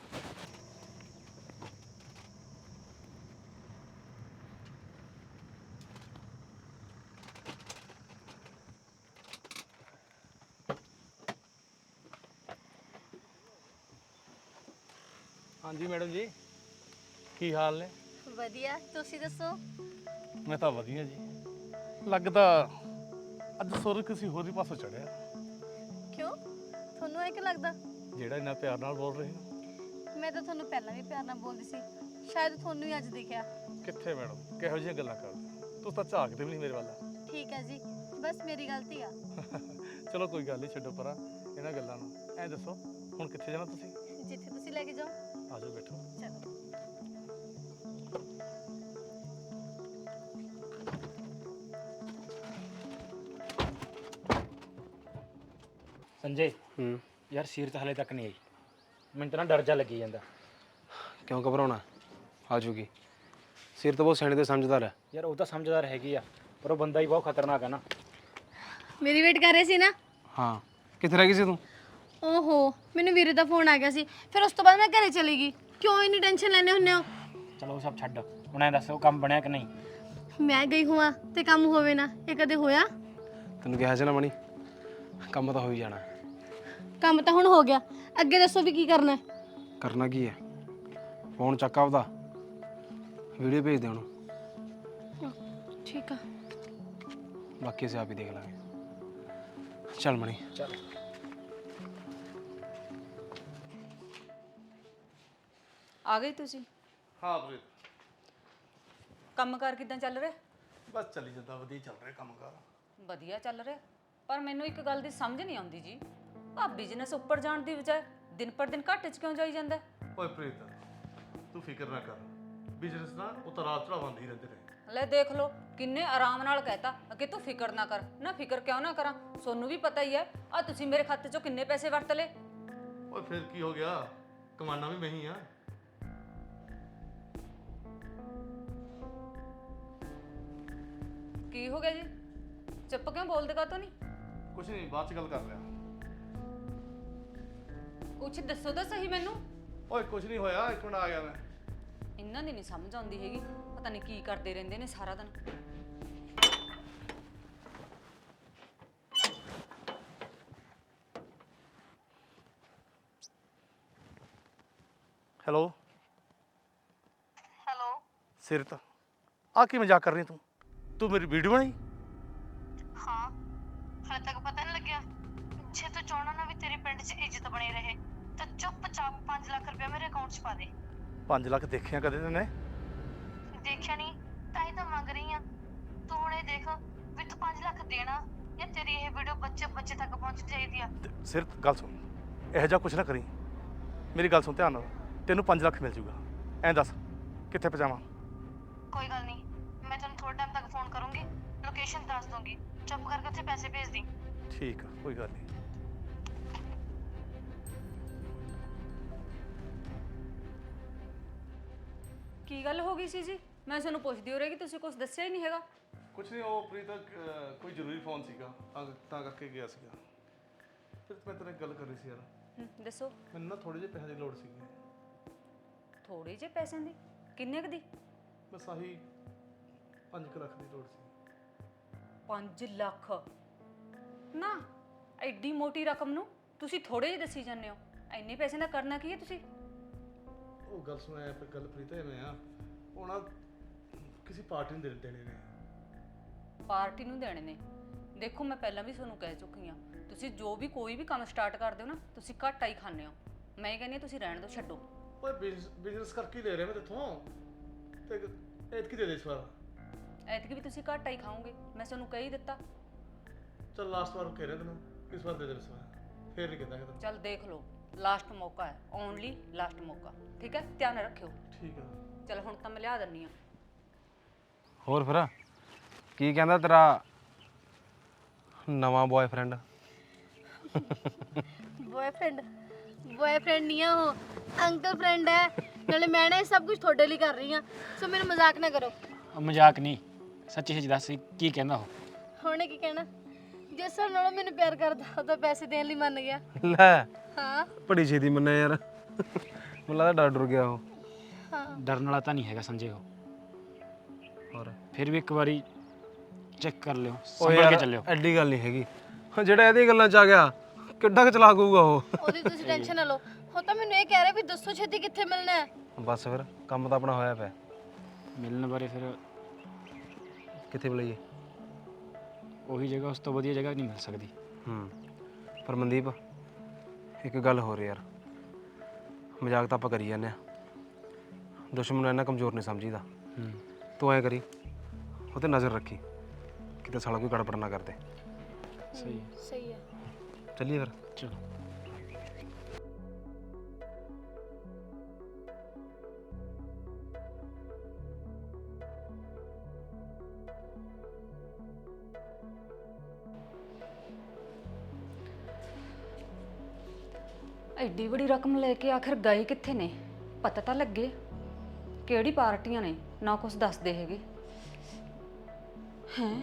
Speaker 3: ਹਾਂਜੀ ਮੈਡਮ ਜੀ, ਕੀ ਹਾਲ ਨੇ?
Speaker 2: ਵਧੀਆ, ਤੁਸੀਂ ਦੱਸੋ?
Speaker 3: ਮੈਂ ਤਾਂ ਵਧੀਆ ਜੀ। ਲੱਗਦਾ ਅੱਜ ਸੁਰ ਕਿਸੇ ਹੋਰ ਹੀ ਪਾਸੋਂ ਚੜਿਆ।
Speaker 2: ਕਿਉਂ, ਤੁਹਾਨੂੰ ਇਹ ਕਿ ਲੱਗਦਾ?
Speaker 3: ਜਿਹੜਾ ਇੰਨਾ ਪਿਆਰ ਨਾਲ ਬੋਲ ਰਹੇ ਹੋ।
Speaker 2: ਮੈਂ ਤਾਂ ਤੁਹਾਨੂੰ ਪਹਿਲਾਂ ਵੀ ਪਿਆਰ ਨਾਲ ਬੋਲਦੀ ਸੀ, ਸ਼ਾਇਦ ਤੁਹਾਨੂੰ ਹੀ ਅੱਜ ਦਿਖਿਆ।
Speaker 3: ਕਿੱਥੇ ਮੈਡਮ, ਕਿਹੋ ਜਿਹੀਆਂ ਗੱਲਾਂ ਕਰਦੇ? ਤੁਸੀਂ ਤਾਂ ਝਾਕਦੇ ਵੀ ਨਹੀਂ ਮੇਰੇ ਵੱਲ।
Speaker 2: ਠੀਕ ਹੈ ਜੀ, ਬਸ ਮੇਰੀ ਗਲਤੀ ਆ।
Speaker 3: ਚਲੋ ਕੋਈ ਗੱਲ ਨਹੀਂ, ਛੱਡੋ ਪਰਾਂ ਇਹਨਾਂ ਗੱਲਾਂ ਨੂੰ। ਐਂ ਦੱਸੋ ਹੁਣ ਕਿੱਥੇ ਜਾਣਾ ਤੁਸੀਂ?
Speaker 2: ਜਿੱਥੇ ਤੁਸੀਂ ਲੈ ਕੇ ਜਾਓ।
Speaker 3: ਆ ਜਾਓ ਬੈਠੋ।
Speaker 2: ਚਲੋ।
Speaker 1: ਸੰਜੇ ਯਾਰ ਸੀਰਤ ਹਲੇ ਤੱਕ ਨਹੀਂ ਆਈ, ਮੈਨੂੰ ਤਾਂ ਨਾ ਡਰ ਜਾ ਲੱਗੀ ਜਾਂਦਾ।
Speaker 5: ਕਿਉਂ ਘਬਰਾਉਣਾ? ਆ ਜੂਗੀ। ਸਿਰ ਤਾਂ ਬਹੁਤ ਸਿਆਣੇ ਤੇ ਸਮਝਦਾਰ ਹੈ।
Speaker 1: ਯਾਰ ਉਹ ਤਾਂ ਸਮਝਦਾਰ ਹੈਗੀ ਆ, ਪਰ ਉਹ ਬੰਦਾ ਹੀ ਬਹੁਤ ਖਤਰਨਾਕ ਹੈ ਨਾ।
Speaker 2: ਮੇਰੀ ਵੇਟ ਕਰ ਰਹੇ ਸੀ ਨਾ?
Speaker 5: ਹਾਂ, ਕਿੱਥੇ ਰਹਿ ਗਈ ਸੀ ਤੂੰ?
Speaker 2: ਓਹੋ, ਮੈਨੂੰ ਵੀਰੇ ਦਾ ਫੋਨ ਆ ਗਿਆ ਸੀ, ਫਿਰ ਉਸ ਤੋਂ ਬਾਅਦ ਮੈਂ ਘਰੇ ਚਲੀ ਗਈ। ਕਿਉਂ ਇੰਨੀ ਟੈਨਸ਼ਨ ਲੈਂਦੇ ਹੁੰਦੇ ਹੋ?
Speaker 1: ਚਲੋ ਉਹ ਸਭ ਛੱਡ, ਹੁਣ ਐਂ ਦੱਸ ਉਹ ਕੰਮ ਬਣਿਆ ਕਿ ਨਹੀਂ?
Speaker 2: ਮੈਂ ਗਈ ਹੋਵਾਂ ਤੇ ਕੰਮ ਹੋਵੇ ਨਾ, ਇਹ ਕਦੇ ਹੋਇਆ?
Speaker 5: ਤੈਨੂੰ ਕਿਹਾ ਸੀ ਨਾ ਮਣੀ, ਕੰਮ ਤਾਂ ਹੋ ਹੀ ਜਾਣਾ।
Speaker 2: ਕੰਮ ਤਾਂ ਹੁਣ ਹੋ ਗਿਆ, ਅੱਗੇ ਦੱਸੋ ਵੀ ਕੀ ਕਰਨਾ ਹੈ?
Speaker 5: ਕਰਨਾ ਕੀ ਹੈ? ਫੋਨ ਚੱਕ ਆਪਦਾ, ਵੀਡੀਓ ਭੇਜ ਦੇ ਉਹਨੂੰ,
Speaker 2: ਠੀਕ ਆ।
Speaker 5: ਬਾਕੀ ਅਸੀਂ ਆਪ ਹੀ ਦੇਖ ਲਾਂਗੇ। ਚੱਲ ਮਣੀ।
Speaker 1: ਚਲ
Speaker 7: ਆ ਗਏ ਤੁਸੀਂ?
Speaker 3: ਹਾਂ ਪ੍ਰੀਤ,
Speaker 7: ਕੰਮਕਾਰ ਕਿਦਾਂ ਚੱਲ ਰਿਹਾ?
Speaker 3: ਬਸ ਚੱਲੀ ਜਾਂਦਾ, ਵਧੀਆ ਚੱਲ ਰਿਹਾ ਕੰਮ ਕਾਰ।
Speaker 7: ਵਧੀਆ ਚੱਲ ਰਿਹਾ, ਪਰ ਮੈਨੂੰ ਇੱਕ ਗੱਲ ਦੀ ਸਮਝ ਨਹੀਂ ਆਉਂਦੀ ਜੀ, ਆ ਬਿਜ਼ਨਸ ਉੱਪਰ ਜਾਣ ਦੀ ਬਜਾਏ ਦਿਨ ਪਰ ਦਿਨ ਘਾਟੇ 'ਚ ਕਿਉਂ ਜਾਈ ਜਾਂਦਾ?
Speaker 3: ਓਏ ਪ੍ਰੀਤ, ਤੂੰ ਫਿਕਰ ਨਾ ਕਰ, ਬਿਜ਼ਨਸ ਨਾ ਉਤਾਰ ਚੜਾਅ ਆਉਂਦੇ ਹੀ ਰਹਿੰਦੇ ਨੇ।
Speaker 7: ਲੈ ਦੇਖ ਲਓ, ਕਿੰਨੇ ਆਰਾਮ ਨਾਲ ਕਹਿਤਾ ਕਿ ਤੂੰ ਫਿਕਰ ਨਾ ਕਰ। ਨਾ ਫਿਕਰ ਕਿਉਂ ਨਾ ਕਰਾਂ, ਸੋਨੂੰ ਵੀ ਪਤਾ ਹੀ ਹੈ ਆ ਤੁਸੀਂ ਮੇਰੇ ਖਾਤੇ 'ਚੋਂ ਕਿੰਨੇ ਪੈਸੇ ਵਰਤ ਲਏ।
Speaker 3: ਓਏ ਫਿਰ ਕੀ ਹੋ ਗਿਆ, ਕਮਾਨਾ ਵੀ ਮੈਂ ਹੀ ਆ।
Speaker 7: ਕੀ ਹੋ ਗਿਆ ਜੀ, ਚੁੱਪ ਕਿਉਂ ਬੋਲਦੇ ਕਾਹਤੋਂ ਨਹੀਂ?
Speaker 3: ਕੁਛ ਨਹੀਂ, ਬਾਅਦ ਚ ਗੱਲ ਕਰ ਲਿਆ।
Speaker 7: ਕੁਛ ਦੱਸੋ ਤਾਂ ਸਹੀ ਮੈਨੂੰ।
Speaker 3: ਓਏ ਕੁਛ ਨਹੀਂ ਹੋਇਆ, ਇੱਕ ਮਿੰਟ ਆ ਗਿਆ ਮੈਂ।
Speaker 7: ਇਹਨਾਂ ਦੀ ਨਹੀਂ ਸਮਝ ਆਉਂਦੀ ਹੈਗੀ, ਪਤਾ ਨਹੀਂ ਕੀ ਕਰਦੇ ਰਹਿੰਦੇ ਨੇ ਸਾਰਾ ਦਿਨ।
Speaker 3: ਹੈਲੋ ਸਿਰਤ, ਆ ਕੀ ਮਜ਼ਾਕ ਕਰ ਰਹੀ ਤੂੰ ਮੇਰੀ ਵੀਡੀਓ ਬਣਾਈ?
Speaker 2: ਹਾਂ, ਹਾਲੇ ਤੱਕ ਪਤਾ ਨਹੀਂ ਲੱਗਿਆ? ਜੇ ਤੂੰ ਚਾਹਣਾ ਨਾ ਵੀ ਤੇਰੇ ਪਿੰਡ 'ਚ ਇੱਜ਼ਤ ਬਣੀ ਰਹੇ ਤਾਂ ਚੁੱਪਚਾਪ 5 ਲੱਖ ਰੁਪਏ ਮੇਰੇ ਅਕਾਊਂਟ 'ਚ ਪਾ ਦੇ।
Speaker 3: 5 ਲੱਖ ਦੇਖਿਆ ਕਦੇ ਤੈਨੇ?
Speaker 2: ਦੇਖਿਆ ਨਹੀਂ ਤਾਂ ਹੀ ਤਾਂ ਮੰਗ ਰਹੀ ਆ। ਤੂੰ ਹੁਣ ਇਹ ਦੇਖ ਵੀ ਤੂੰ 5 ਲੱਖ ਦੇਣਾ ਜਾਂ ਤੇਰੀ ਇਹ ਵੀਡੀਓ ਬੱਚੇ ਤੱਕ ਪਹੁੰਚ ਚਾਹੀਦੀ ਆ।
Speaker 3: ਸਿਰਤ ਗੱਲ ਸੁਣ, ਇਹੋ ਜਿਹਾ ਕੁਛ ਨਾ ਕਰੀ। ਮੇਰੀ ਗੱਲ ਸੁਣ ਧਿਆਨ ਨਾਲ, ਤੈਨੂੰ 5 ਲੱਖ ਮਿਲ ਜੂਗਾ। ਐਂ ਦੱਸ ਕਿੱਥੇ ਪਹੁੰਚਾਵਾਂ?
Speaker 2: ਕੋਈ ਗੱਲ ਨਹੀਂ, ਮੈਂ ਤੈਨੂੰ ਥੋੜੇ ਟਾਈਮ ਤੱਕ ਫੋਨ ਕਰੂੰਗੀ, ਲੋਕੇਸ਼ਨ ਦੱਸ ਦੂੰਗੀ, ਚੁੱਪ ਕਰਕੇ ਉੱਥੇ ਪੈਸੇ ਭੇਜ ਦੀ।
Speaker 3: ਠੀਕ ਆ, ਕੋਈ ਗੱਲ ਨਹੀਂ।
Speaker 7: ਕੀ ਗੱਲ ਹੋ ਗਈ ਸੀ ਜੀ? ਮੈਂ ਤੁਹਾਨੂੰ ਪੁੱਛਦੀ ਹੋ ਰਹੀ ਕਿ ਤੁਸੀਂ ਕੁਝ ਦੱਸਿਆ ਹੀ ਨਹੀਂ ਹੈਗਾ।
Speaker 3: ਕੁਛ ਨਹੀਂ, ਉਹ ਪ੍ਰੀਤ ਕੋਈ ਜ਼ਰੂਰੀ ਫੋਨ ਸੀਗਾ, ਤਾਂ ਕਰਕੇ ਗਿਆ ਸੀਗਾ। ਫਿਰ ਮੈਂ ਤੇਰੇ ਨਾਲ ਗੱਲ ਕਰ ਰਹੀ ਸੀ ਯਾਰ,
Speaker 7: ਦੱਸੋ।
Speaker 3: ਮੈਨੂੰ ਨਾ ਥੋੜੇ ਜਿਹੇ ਪੈਸੇ ਦੀ ਲੋੜ ਸੀਗੀ।
Speaker 7: ਥੋੜੇ ਜਿਹੇ ਪੈਸਿਆਂ ਦੀ? ਕਿੰਨੇ ਕੁ ਦੀ?
Speaker 3: ਬਸ ਆਹੀ 5 ਲੱਖ ਦੀ ਲੋੜ ਸੀ।
Speaker 7: 5 ਲੱਖ? ਨਾ, ਐਡੀ ਮੋਟੀ ਰਕਮ ਨੂੰ ਤੁਸੀਂ ਥੋੜੇ ਜਿਹੇ ਦੱਸੀ ਜਾਂਦੇ ਹੋ। ਇੰਨੇ ਪੈਸੇ ਦਾ ਕਰਨਾ ਕੀ ਹੈ ਤੁਸੀਂ?
Speaker 3: ਉਹ ਗੱਲ ਸੁਣ, ਐ ਗੱਲ ਪ੍ਰੀਤ ਐਵੇਂ ਆ, ਉਹ ਨਾ ਕਿਸੇ ਪਾਰਟੀ ਨੂੰ ਦੇਣੇ ਨੇ।
Speaker 7: ਪਾਰਟੀ ਨੂੰ ਦੇਣੇ ਨੇ? ਦੇਖੋ, ਮੈਂ ਪਹਿਲਾਂ ਵੀ ਤੁਹਾਨੂੰ ਕਹਿ ਚੁੱਕੀ ਹਾਂ, ਤੁਸੀਂ ਜੋ ਵੀ ਕੋਈ ਵੀ ਕੰਮ ਸਟਾਰਟ ਕਰਦੇ ਹੋ ਨਾ, ਤੁਸੀਂ ਘਾਟਾ ਹੀ ਖਾਂਦੇ ਹੋ। ਮੈਂ ਕਹਿੰਦੀ ਹਾਂ ਤੁਸੀਂ ਰਹਿਣ ਦਿਓ, ਛੱਡੋ।
Speaker 3: ਓਏ ਬਿਜ਼ਨਸ ਕਰਕੇ ਹੀ ਲੈ ਰਿਹਾ ਮੈਂ ਤੇਥੋਂ, ਤੇ ਐਤਕੀ ਦੇ ਦੇ ਇਸ ਵਾਰ।
Speaker 7: ਐਤਕੀ ਵੀ ਤੁਸੀਂ ਘਾਟਾ ਹੀ ਖਾਓਗੇ, ਮੈਂ ਤੁਹਾਨੂੰ ਕਹਿ ਹੀ ਦਿੱਤਾ।
Speaker 3: ਚੱਲ ਲਾਸਟ ਵਾਰ ਕਹਿ ਰਿਹਾ ਤੈਨੂੰ, ਇਸ ਵਾਰ ਦੇ ਦੇ ਇਸ ਵਾਰ, ਫੇਰ ਨਹੀਂ ਕਹਿੰਦਾ ਕਿ
Speaker 7: ਚੱਲ ਦੇਖ ਲਓ, ਲਾਸਟ ਮੌਕਾ ਹੈ, ਓਨਲੀ ਲਾਸਟ ਮੌਕਾ, ਠੀਕ ਹੈ? ਧਿਆਨ ਰੱਖਿਓ।
Speaker 3: ਠੀਕ ਆ।
Speaker 7: ਚੱਲ ਹੁਣ ਤਾਂ ਮੈਂ ਲਿਆ ਦਿੰਨੀ ਆ।
Speaker 5: ਹੋਰ ਫਿਰ ਕੀ ਕਹਿੰਦਾ ਤੇਰਾ ਨਵਾਂ ਬॉयਫ੍ਰੈਂਡ?
Speaker 2: ਬॉयਫ੍ਰੈਂਡ ਨਹੀਂ ਆ ਉਹ, ਅੰਕਲ ਫਰੈਂਡ ਹੈ। ਨਾਲੇ ਮੈਂ ਨਾ ਇਹ ਸਭ ਕੁਝ ਤੁਹਾਡੇ ਲਈ ਕਰ ਰਹੀ ਆ, ਸੋ ਮੈਨੂੰ ਮਜ਼ਾਕ ਨਾ ਕਰੋ।
Speaker 1: ਮਜ਼ਾਕ ਨਹੀਂ, ਸੱਚੀ ਸੱਚ ਦੱਸ ਕੀ ਕਹਿੰਦਾ ਉਹ?
Speaker 2: ਹੁਣੇ ਕੀ ਕਹਿਣਾ, ਜਿਸ ਨਾਲ ਮੈਨੂੰ ਪਿਆਰ ਕਰਦਾ ਉਹ ਤਾਂ ਪੈਸੇ ਦੇਣ ਲਈ ਮੰਨ ਗਿਆ।
Speaker 5: ਲੈ,
Speaker 2: ਹਾਂ
Speaker 5: ਬੜੀ ਛੇਤੀ ਮੰਨਿਆ ਯਾਰ। ਮੈਨੂੰ ਲੱਗਦਾ ਡਰ ਡਰ ਗਿਆ ਉਹ।
Speaker 2: ਹਾਂ,
Speaker 1: ਡਰਨ ਵਾਲਾ ਤਾਂ ਨਹੀਂ ਹੈਗਾ ਸੰਜੇ ਉਹ।
Speaker 5: ਹੋਰ
Speaker 1: ਫਿਰ ਵੀ ਇੱਕ ਵਾਰੀ ਚੈੱਕ ਕਰ ਲਿਓ,
Speaker 5: ਉਹ
Speaker 1: ਸੰਭਲ
Speaker 5: ਯਾਰ
Speaker 1: ਕੇ ਚੱਲਿਓ।
Speaker 5: ਐਡੀ ਗੱਲ ਨਹੀਂ ਹੈਗੀ, ਜਿਹੜਾ ਇਹਦੀ ਗੱਲਾਂ 'ਚ ਆ ਗਿਆ ਕਿੱਡਾ ਕੁ ਚਲਾਕ ਹੋਊਗਾ ਉਹ।
Speaker 2: ਉਹਦੀ ਤੁਸੀਂ ਟੈਨਸ਼ਨ ਨਾ ਲਓ। ਉਹ ਤਾਂ ਮੈਨੂੰ ਇਹ ਕਹਿ ਰਿਹਾ ਵੀ ਦੱਸੋ ਛੇਤੀ ਕਿੱਥੇ ਮਿਲਣਾ ਹੈ।
Speaker 5: ਬਸ ਫਿਰ ਕੰਮ ਤਾਂ ਆਪਣਾ ਹੋਇਆ ਪਿਆ।
Speaker 1: ਮਿਲਣ ਬਾਰੇ ਫਿਰ
Speaker 5: ਕਿੱਥੇ ਬੁਲਾਈਏ?
Speaker 1: ਉਹੀ ਜਗ੍ਹਾ, ਉਸ ਤੋਂ ਵਧੀਆ ਜਗ੍ਹਾ ਨਹੀਂ ਮਿਲ ਸਕਦੀ।
Speaker 5: ਪਰ ਮਨਦੀਪ, ਇੱਕ ਗੱਲ ਹੋ ਰਹੀ ਯਾਰ, ਮਜ਼ਾਕ ਤਾਂ ਆਪਾਂ ਕਰੀ ਜਾਂਦੇ ਆ, ਦੁਸ਼ਮਣ ਨੂੰ ਇੰਨਾ ਕਮਜ਼ੋਰ ਨਹੀਂ ਸਮਝੀਦਾ। ਤੂੰ ਐ ਕਰੀ, ਉਹ 'ਤੇ ਨਜ਼ਰ ਰੱਖੀ, ਕਿਤੇ ਸਾਲਾ ਕੋਈ ਗੜਬੜ ਨਾ ਕਰਦੇ।
Speaker 2: ਸਹੀ ਹੈ।
Speaker 5: ਚੱਲੀਏ ਫਿਰ।
Speaker 1: ਚਲੋ।
Speaker 7: ਐਡੀ ਵੱਡੀ ਰਕਮ ਲੈ ਕੇ ਆਖਿਰ ਗਏ ਕਿੱਥੇ ਨੇ? ਪਤਾ ਤਾਂ ਲੱਗੇ ਕਿਹੜੀ ਪਾਰਟੀਆਂ ਨੇ ਨਾ ਕੁਝ ਦੱਸਦੇ ਹੈਗੇ। ਹੈ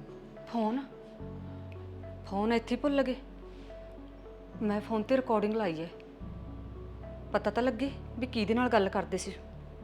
Speaker 7: ਫੋਨ ਇੱਥੇ ਭੁੱਲ ਗਏ। ਮੈਂ ਫੋਨ ਤੇ ਰਿਕਾਰਡਿੰਗ ਲਾਈ ਹੈ, ਪਤਾ ਤਾਂ ਲੱਗੇ ਵੀ ਕਿਹਦੇ ਨਾਲ ਗੱਲ ਕਰਦੇ ਸੀ।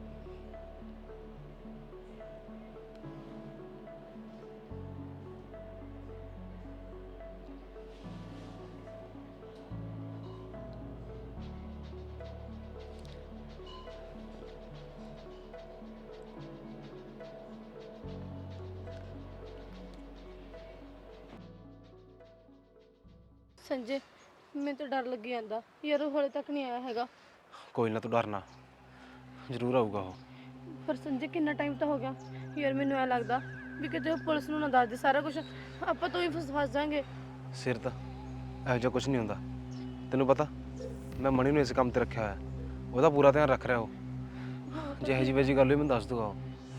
Speaker 2: ਸੰਜੇ ਮੈਨੂੰ ਤਾਂ ਡਰ ਲੱਗੀ ਜਾਂਦਾ ਯਾਰ, ਉਹ ਹਲੇ ਤੱਕ ਨਹੀਂ ਆਇਆ ਹੈਗਾ।
Speaker 5: ਕੋਈ ਨਾ ਤੂੰ ਡਰਨਾ, ਜ਼ਰੂਰ ਆਊਗਾ ਉਹ।
Speaker 2: ਪਰ ਸੰਜੇ ਕਿੰਨਾ ਟਾਈਮ ਤਾਂ ਹੋ ਗਿਆ ਯਾਰ, ਮੈਨੂੰ ਐ ਲੱਗਦਾ ਵੀ ਕਿਤੇ ਉਹ ਪੁਲਿਸ ਨੂੰ ਨਾ ਦੱਸ ਦੇ ਸਾਰਾ ਕੁਝ, ਆਪਾਂ ਤੋਂ ਹੀ ਫਸ ਜਾਾਂਗੇ।
Speaker 5: ਸਿਰ ਤਾਂ ਇਹੋ ਜਿਹਾ ਕੁਝ ਨਹੀਂ ਹੁੰਦਾ, ਤੈਨੂੰ ਪਤਾ ਮੈਂ ਮਣੀ ਨੂੰ ਇਸ ਕੰਮ ਤੇ ਰੱਖਿਆ ਹੋਇਆ, ਉਹਦਾ ਪੂਰਾ ਧਿਆਨ ਰੱਖ ਰਿਹਾ ਉਹ। ਜੇ ਇਹੋ ਜਿਹੀ ਗੱਲ ਹੋਈ ਮੈਨੂੰ ਦੱਸ ਦੂਗਾ ਉਹ।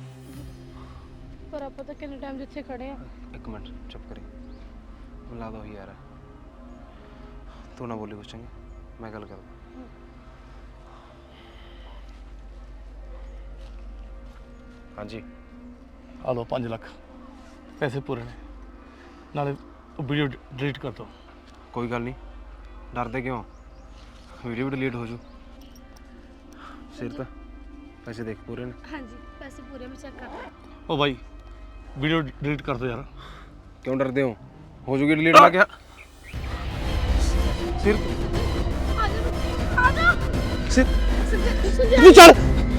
Speaker 2: ਪਰ ਆਪਾਂ ਤਾਂ ਕਿੰਨੇ ਟਾਈਮ ਜਿੱਥੇ ਖੜੇ ਆ।
Speaker 5: ਇੱਕ ਮਿੰਟ ਚੁੱਪ ਕਰੀ, ਮੈਨੂੰ ਲੱਗਦਾ ਉਹੀ ਯਾਰ ਹੈ। ਤੂੰ ਨਾ ਬੋਲੀ ਕੁਛ, ਚੰਗਾ ਮੈਂ ਗੱਲ ਕਰਦਾ। ਹਾਂਜੀ
Speaker 3: ਆ ਲਓ 5 ਲੱਖ ਪੈਸੇ ਪੂਰੇ ਨੇ, ਨਾਲੇ ਵੀਡੀਓ ਡਿਲੀਟ ਕਰ ਦਿਓ।
Speaker 5: ਕੋਈ ਗੱਲ ਨਹੀਂ, ਡਰਦੇ ਕਿਉਂ, ਵੀਡੀਓ ਵੀ ਡਿਲੀਟ ਹੋ ਜੂ। ਸਿਰ ਤਾਂ ਪੈਸੇ ਦੇਖ ਪੂਰੇ ਨੇ।
Speaker 2: ਹਾਂਜੀ ਪੈਸੇ ਪੂਰੇ ਮੈਂ ਚੈੱਕ ਕਰਦਾ।
Speaker 3: ਉਹ ਬਾਈ ਵੀਡੀਓ ਡਿਲੀਟ ਕਰ ਦਿਓ ਯਾਰ।
Speaker 5: ਕਿਉਂ ਡਰਦੇ ਹੋ ਜੂਗੀ ਡਿਲੀਟ ਲਾ ਗਿਆ। ਸਿਰ
Speaker 2: ਆ ਜਾ
Speaker 5: ਸਿਰ
Speaker 2: ਸੰਜੇ
Speaker 5: ਤੂੰ ਚੱਲ।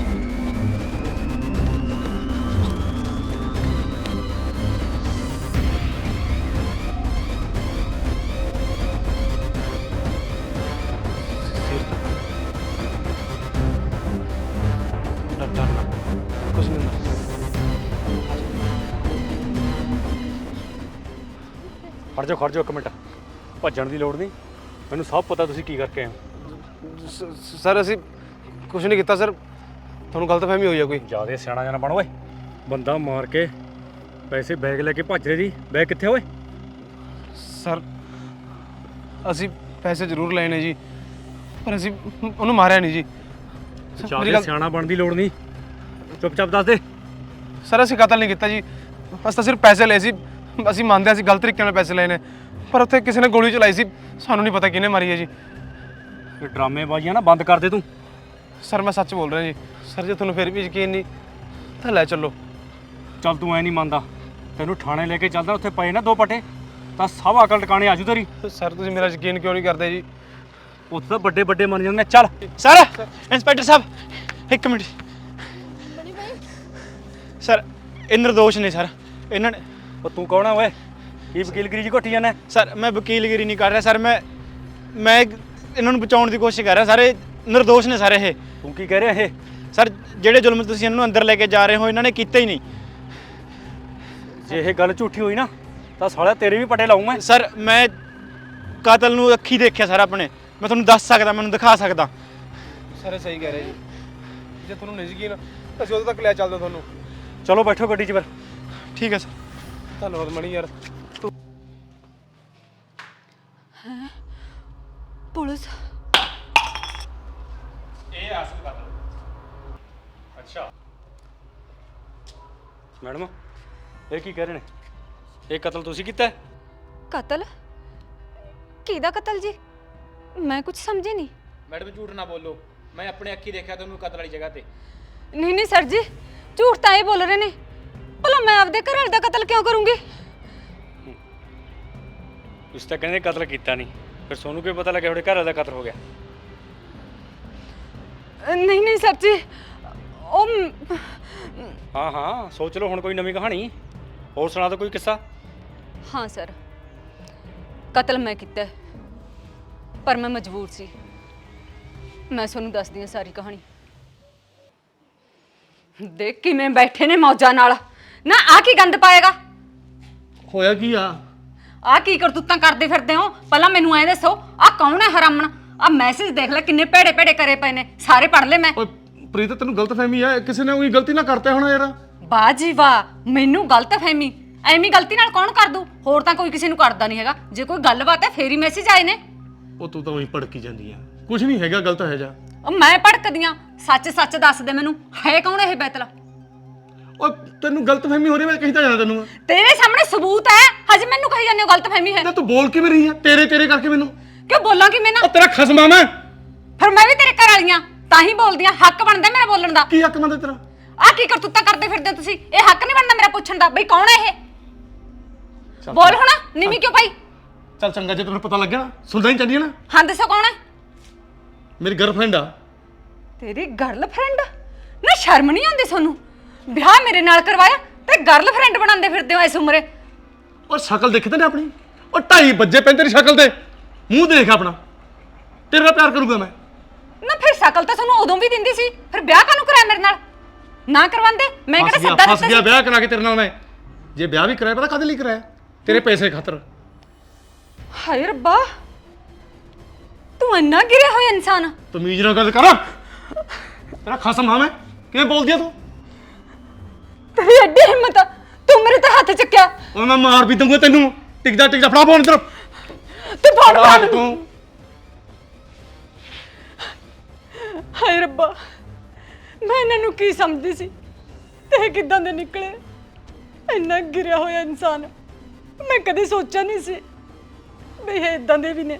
Speaker 5: ਡਰਨਾ ਕੁਛ ਨਹੀਂ ਹੁੰਦਾ।
Speaker 8: ਖੜ ਜਾਓ 1 ਮਿੰਟ, ਭੱਜਣ ਦੀ ਲੋੜ ਨਹੀਂ, ਮੈਨੂੰ ਸਭ ਪਤਾ ਤੁਸੀਂ ਕੀ ਕਰਕੇ ਆਏ ਹੋ।
Speaker 5: ਸਰ ਅਸੀਂ ਕੁਛ ਨਹੀਂ ਕੀਤਾ ਸਰ, ਤੁਹਾਨੂੰ ਗਲਤਫਹਿਮੀ ਹੋਈ ਆ ਕੋਈ।
Speaker 8: ਜਿਆਦਾ ਸਿਆਣਾ ਜਾਣਾ ਬਣ ਓਏ, ਬੰਦਾ ਮਾਰ ਕੇ ਪੈਸੇ ਬੈਗ ਲੈ ਕੇ ਭੱਜ ਰਹੇ ਜੀ। ਬੈਗ ਕਿੱਥੇ ਓਏ?
Speaker 5: ਸਰ ਅਸੀਂ ਪੈਸੇ ਜ਼ਰੂਰ ਲਏ ਨੇ ਜੀ, ਪਰ ਅਸੀਂ ਉਹਨੂੰ ਮਾਰਿਆ ਨਹੀਂ ਜੀ।
Speaker 8: ਜਿਆਦਾ ਸਿਆਣਾ ਬਣਨ ਦੀ ਲੋੜ ਨਹੀਂ, ਚੁੱਪਚਾਪ ਦੱਸ ਦੇ।
Speaker 5: ਸਰ ਅਸੀਂ ਕਤਲ ਨਹੀਂ ਕੀਤਾ ਜੀ, ਅਸੀਂ ਤਾਂ ਸਿਰਫ ਪੈਸੇ ਲਏ ਸੀ। ਅਸੀਂ ਮੰਨਦੇ ਹਾਂ ਅਸੀਂ ਗਲਤ ਤਰੀਕੇ ਨਾਲ ਪੈਸੇ ਲਏ ਨੇ, ਪਰ ਉੱਥੇ ਕਿਸੇ ਨੇ ਗੋਲੀ ਚਲਾਈ ਸੀ, ਸਾਨੂੰ ਨਹੀਂ ਪਤਾ ਕਿਹਨੇ ਮਾਰੀ ਹੈ ਜੀ।
Speaker 8: ਇਹ ਡਰਾਮੇਬਾਜ਼ੀਆਂ ਨਾ ਬੰਦ ਕਰ ਦੇ ਤੂੰ।
Speaker 5: ਸਰ ਮੈਂ ਸੱਚ ਬੋਲ ਰਿਹਾ ਜੀ। ਸਰ ਜੇ ਤੁਹਾਨੂੰ ਫਿਰ ਵੀ ਯਕੀਨ ਨਹੀਂ ਤਾਂ ਲੈ ਚੱਲੋ।
Speaker 8: ਚੱਲ ਤੂੰ ਐ ਨਹੀਂ ਮੰਨਦਾ, ਤੈਨੂੰ ਥਾਣੇ ਲੈ ਕੇ ਚੱਲਦਾ, ਉੱਥੇ ਪਏ ਨਾ 2 ਪੱਟੇ ਤਾਂ ਸਭ ਅਕਲ ਟਿਕਾਣੇ ਆਜੂ ਤੇਰੀ।
Speaker 5: ਸਰ ਤੁਸੀਂ ਮੇਰਾ ਯਕੀਨ ਕਿਉਂ ਨਹੀਂ ਕਰਦੇ ਜੀ?
Speaker 8: ਉੱਥੇ ਤਾਂ ਵੱਡੇ ਵੱਡੇ ਮੰਨ ਜਾਂਦੇ ਨੇ। ਚੱਲ
Speaker 1: ਸਰ ਇੰਸਪੈਕਟਰ ਸਾਹਿਬ 1 ਮਿੰਟ। ਸਰ ਇਹ ਨਿਰਦੋਸ਼ ਨੇ ਸਰ, ਇਹਨਾਂ ਨੇ।
Speaker 8: ਉਹ ਤੂੰ ਕੌਣ ਆ ਓਏ, ਕੀ ਵਕੀਲਗਿਰੀ ਜੀ ਘੋਟੀ ਜਾਂਦਾ?
Speaker 1: ਸਰ ਮੈਂ ਵਕੀਲਗਿਰੀ ਨਹੀਂ ਕਰ ਰਿਹਾ ਸਰ, ਮੈਂ ਇਹਨਾਂ ਨੂੰ ਬਚਾਉਣ ਦੀ ਕੋਸ਼ਿਸ਼ ਕਰ ਰਿਹਾ। ਸਾਰੇ ਨਿਰਦੋਸ਼ ਨੇ ਸਾਰੇ ਇਹ।
Speaker 8: ਤੂੰ ਕੀ ਕਹਿ ਰਿਹਾ ਇਹ?
Speaker 1: ਸਰ ਜਿਹੜੇ ਜ਼ੁਲਮ ਤੁਸੀਂ ਇਹਨਾਂ ਨੂੰ ਅੰਦਰ ਲੈ ਕੇ ਜਾ ਰਹੇ ਹੋ, ਇਹਨਾਂ ਨੇ ਕੀਤਾ ਹੀ ਨਹੀਂ।
Speaker 8: ਜੇ ਇਹ ਗੱਲ ਝੂਠੀ ਹੋਈ ਨਾ ਤਾਂ ਸਾਲਿਆ ਤੇਰੇ ਵੀ ਪਟੇ ਲਾਊਂ ਮੈਂ।
Speaker 1: ਸਰ ਮੈਂ ਕਾਤਲ ਨੂੰ ਅੱਖੀ ਦੇਖਿਆ ਸਰ ਆਪਣੇ, ਮੈਂ ਤੁਹਾਨੂੰ ਦੱਸ ਸਕਦਾ, ਮੈਨੂੰ ਦਿਖਾ ਸਕਦਾ।
Speaker 5: ਸਰ ਸਹੀ ਕਹਿ ਰਹੇ ਜੀ, ਜੇ ਤੁਹਾਨੂੰ ਨਹੀਂ ਯਕੀਨ ਅਸੀਂ ਉਦੋਂ ਤੱਕ ਲੈ ਚੱਲਦੇ ਤੁਹਾਨੂੰ।
Speaker 8: ਚਲੋ ਬੈਠੋ ਗੱਡੀ 'ਚ ਫਿਰ।
Speaker 1: ਠੀਕ ਹੈ ਸਰ।
Speaker 5: ਧੰਨਵਾਦ ਮਣੀ ਯਾਰ।
Speaker 7: ਪੁਲਿਸ
Speaker 1: ਇਹ ਅਸਲ ਕਾਤਲ।
Speaker 8: ਅੱਛਾ ਮੈਡਮ, ਇਹ ਕੀ ਕਹਿ ਰਹੇ ਨੇ? ਇਹ ਕਤਲ ਤੁਸੀਂ ਕੀਤਾ ਹੈ?
Speaker 7: ਕਤਲ? ਕਿਹਦਾ ਕਤਲ ਜੀ? ਮੈਂ ਕੁਝ ਸਮਝੀ ਨਹੀਂ।
Speaker 1: ਮੈਡਮ ਝੂਠ ਨਾ ਬੋਲੋ, ਮੈਂ ਆਪਣੇ ਅੱਖੀ ਦੇਖਿਆ ਤੁਹਾਨੂੰ ਕਤਲ ਵਾਲੀ ਜਗ੍ਹਾ ਤੇ।
Speaker 7: ਨਹੀਂ ਸਰ ਜੀ, ਝੂਠ ਤਾਂ ਇਹ ਬੋਲ ਰਹੇ ਨੇ। ਭਲਾ ਮੈਂ ਆਪਦੇ ਘਰ ਵਾਲੇ ਦਾ ਕਤਲ ਕਿਉਂ ਕਰੂੰਗੀ?
Speaker 8: ਤੁਸੀਂ ਤਾਂ ਕਹਿੰਦੇ ਕਤਲ ਕੀਤਾ ਨਹੀਂ, ਫਿਰ ਸੋਨੂੰ ਕਿਵੇਂ ਪਤਾ ਲੱਗਿਆ ਤੁਹਾਡੇ ਘਰ ਵਾਲੇ ਦਾ ਕਤਲ ਹੋ ਗਿਆ?
Speaker 7: ਨਹੀਂ ਸਰ ਜੀ, ਉਹ
Speaker 8: ਹਾਂ ਸੋਚ ਲਓ ਹੁਣ ਕੋਈ ਨਵੀਂ ਕਹਾਣੀ, ਹੋਰ ਸੁਣਾ ਦਿਓ ਕੋਈ ਕਿੱਸਾ।
Speaker 7: ਹਾਂ ਸਰ, ਕਤਲ ਮੈਂ ਕੀਤਾ, ਪਰ ਮੈਂ ਮਜਬੂਰ ਸੀ। ਮੈਂ ਤੁਹਾਨੂੰ ਦੱਸਦੀ ਹਾਂ ਸਾਰੀ ਕਹਾਣੀ। ਦੇਖ ਕਿਵੇਂ ਬੈਠੇ ਨੇ ਮੌਜਾਂ ਨਾਲ। ਨਾ ਆ ਕੀ ਗੰਦ ਪਾਏਗਾ?
Speaker 3: ਹੋਇਆ ਕੀ ਆ?
Speaker 7: ਆ ਕੀ ਕਰਤੂਤਾਂ ਕਰਦੇ ਫਿਰਦੇ ਹੋ? ਪਹਿਲਾਂ ਮੈਨੂੰ ਐ ਦੱਸੋ, ਆ ਕੌਣ ਹੈ ਹਰਾਮਣ? ਆ ਮੈਸੇਜ ਦੇਖ ਲੈ ਕਿੰਨੇ ਭੇੜੇ ਭੇੜੇ ਕਰੇ ਪਏ ਨੇ, ਸਾਰੇ ਪੜ੍ਹ ਲੈ ਮੈਂ।
Speaker 3: ਓਏ ਪ੍ਰੀਤ ਤੈਨੂੰ ਗਲਤਫਹਿਮੀ ਆ, ਕਿਸੇ ਨੇ ਉਹੀ ਗਲਤੀ ਨਾ ਕਰਤਾ ਹੋਣਾ ਯਾਰ।
Speaker 7: ਵਾਹ ਜੀ ਵਾਹ, ਮੈਨੂੰ ਗਲਤਫਹਿਮੀ? ਐਵੇਂ ਗਲਤੀ ਨਾਲ ਕੌਣ ਕਰ ਦੂ? ਹੋਰ ਤਾਂ ਕੋਈ ਕਿਸੇ ਨੂੰ ਕਰਦਾ ਨਹੀਂ ਹੈਗਾ। ਜੇ ਕੋਈ ਗੱਲਬਾਤ ਹੈ ਫੇਰ ਹੀ ਮੈਸੇਜ ਆਏ ਨੇ।
Speaker 3: ਉਹ ਤੂੰ ਤਾਂ ਉਹੀ ਭੜਕੀ ਜਾਂਦੀ ਆ, ਕੁਝ ਨਹੀਂ ਹੈਗਾ ਗਲਤ ਹੈ ਜਾ।
Speaker 7: ਉਹ ਮੈਂ ਭੜਕਦੀਆਂ? ਸੱਚ ਦੱਸ ਦੇ ਮੈਨੂੰ, ਹੈ ਕੌਣ ਇਹ ਬੈਤਲ?
Speaker 3: ਓ ਤੈਨੂੰ ਗਲਤਫਹਿਮੀ ਹੋ ਰਹੀ ਮੈਂ ਕਹੀ ਤਾਂ ਜਾਣਾ ਤੈਨੂੰ
Speaker 7: ਤੇਰੇ ਸਾਹਮਣੇ ਸਬੂਤ ਹੈ, ਹਜੇ ਮੈਨੂੰ ਕਹੀ ਜਾਂਦੇ ਹੋ ਗਲਤਫਹਿਮੀ ਹੈ।
Speaker 3: ਨਾ ਤੂੰ ਬੋਲ ਕਿਵੇਂ ਰਹੀ ਆ ਤੇਰੇ ਕਰਕੇ ਮੈਨੂੰ
Speaker 7: ਕਿਉਂ ਬੋਲਾਂ ਕਿ ਮੈਂ ਨਾ?
Speaker 3: ਓ ਤੇਰਾ ਖਸਮਾ ਮੈਂ
Speaker 7: ਫਿਰ ਮੈਂ ਵੀ ਤੇਰੇ ਘਰ ਵਾਲੀਆਂ ਤਾਂ ਹੀ ਬੋਲਦੀ ਆ, ਹੱਕ ਬਣਦਾ ਮੇਰਾ ਬੋਲਣ ਦਾ।
Speaker 3: ਕੀ ਹੱਕ ਮੰਨਦਾ ਤੇਰਾ
Speaker 7: ਆਹ ਕੀ ਕਰਤੂਤਾਂ ਕਰਦੇ ਫਿਰਦੇ ਹੋ ਤੁਸੀਂ? ਇਹ ਹੱਕ ਨਹੀਂ ਬਣਦਾ ਮੇਰਾ ਪੁੱਛਣ ਦਾ ਬਈ ਕੌਣ ਹੈ ਇਹ? ਬੋਲ ਹੁਣ, ਨੀਵੀਂ ਕਿਉਂ ਪਾਈ?
Speaker 3: ਚੱਲ ਚੰਗਾ ਜੇ ਤੈਨੂੰ ਪਤਾ ਲੱਗਿਆ ਨਾ ਸੁਣਦਾ ਹੀ ਚੱਲੀ ਨਾ।
Speaker 7: ਹਾਂ ਦੱਸੋ ਕੌਣ ਹੈ?
Speaker 3: ਮੇਰੀ ਗਰਲਫ੍ਰੈਂਡ ਆ।
Speaker 7: ਤੇਰੀ ਗਰਲਫ੍ਰੈਂਡ? ਨਾ ਸ਼ਰਮ ਨਹੀਂ ਆਉਂਦੀ ਤੁਹਾਨੂੰ? ਵਿਆਹ ਮੇਰੇ ਨਾਲ ਕਰਵਾਇਆ ਤੇ ਗਰਲਫ੍ਰੈਂਡ ਬਣਾਉਂਦੇ ਫਿਰਦੇ ਹੋ ਇਸ ਉਮਰੇ।
Speaker 3: ਓ ਸ਼ਕਲ ਦੇਖਦੇ ਨੇ ਆਪਣੀ। ਓ 2:30 ਵਜੇ ਪੈਂ ਤੇਰੀ ਸ਼ਕਲ ਤੇ ਮੂੰਹ ਦੇਖ ਆਪਣਾ। ਤੇਰੇ ਨਾਲ ਪਿਆਰ ਕਰੂੰਗਾ ਮੈਂ।
Speaker 7: ਨਾ ਫਿਰ ਸ਼ਕਲ ਤਾਂ ਤੁਹਾਨੂੰ ਉਦੋਂ ਵੀ ਦਿੰਦੀ ਸੀ, ਫਿਰ ਵਿਆਹ ਕਾਹਨੂੰ ਕਰਾਇਆ ਮੇਰੇ ਨਾਲ? ਨਾ ਕਰਵਾਉਂਦੇ ਮੈਂ ਕਿਹੜਾ ਸੱਦਾ
Speaker 3: ਫਸ
Speaker 7: ਦਿੱਤਾ
Speaker 3: ਗਿਆ
Speaker 7: ਸੀ?
Speaker 3: ਵਿਆਹ ਕਰਾ ਕੇ ਤੇਰੇ ਨਾਲ ਮੈਂ। ਜੇ ਵਿਆਹ ਵੀ ਕਰਾਇਆ ਪਤਾ ਕਾਹਦੇ ਲਈ ਕਰਾਇਆ? ਤੇਰੇ ਪੈਸੇ ਖਾਤਰ।
Speaker 7: ਹਾਏ ਰੱਬਾ, ਤੂੰ ਇੰਨਾ ਗਿਰਿਆ ਹੋਇਆ ਇਨਸਾਨ।
Speaker 3: ਤਮੀਜ਼ ਨਾਲ ਗੱਲ ਕਰ। ਤੇਰਾ ਖਸਮ ਹਾਂ ਮੈਂ। ਕਿਵੇਂ ਬੋਲਦੀ ਆ ਤੂੰ?
Speaker 7: ਤੇਰੀ ਐਡੀ ਹਿੰਮਤ ਆ, ਤੂੰ ਮੇਰੇ ਤੇ ਹੱਥ ਚੱਕਿਆ।
Speaker 3: ਓ ਮੈਂ ਮਾਰ ਵੀ ਦੂੰਗਾ ਤੈਨੂੰ। ਟਿਕਦਾ ਫੜਾ ਫੋਨ ਇੱਧਰ।
Speaker 7: ਤੂੰ ਫੜ
Speaker 3: ਫੜਾ
Speaker 7: ਫੜ
Speaker 3: ਤੂੰ।
Speaker 7: ਹਾਏ ਰੱਬਾ, ਮੈਂ ਇਹਨਾਂ ਨੂੰ ਕੀ ਸਮਝਦੀ ਸੀ ਤੇ ਇਹ ਕਿੱਦਾਂ ਦੇ ਨਿਕਲੇ? ਇੰਨਾ ਗਿਰਿਆ ਹੋਇਆ ਇਨਸਾਨ ਮੈਂ ਕਦੇ ਸੋਚਿਆ ਨਹੀਂ ਸੀ ਵੀ ਇਹ ਇਦਾਂ ਦੇ ਵੀ ਨੇ।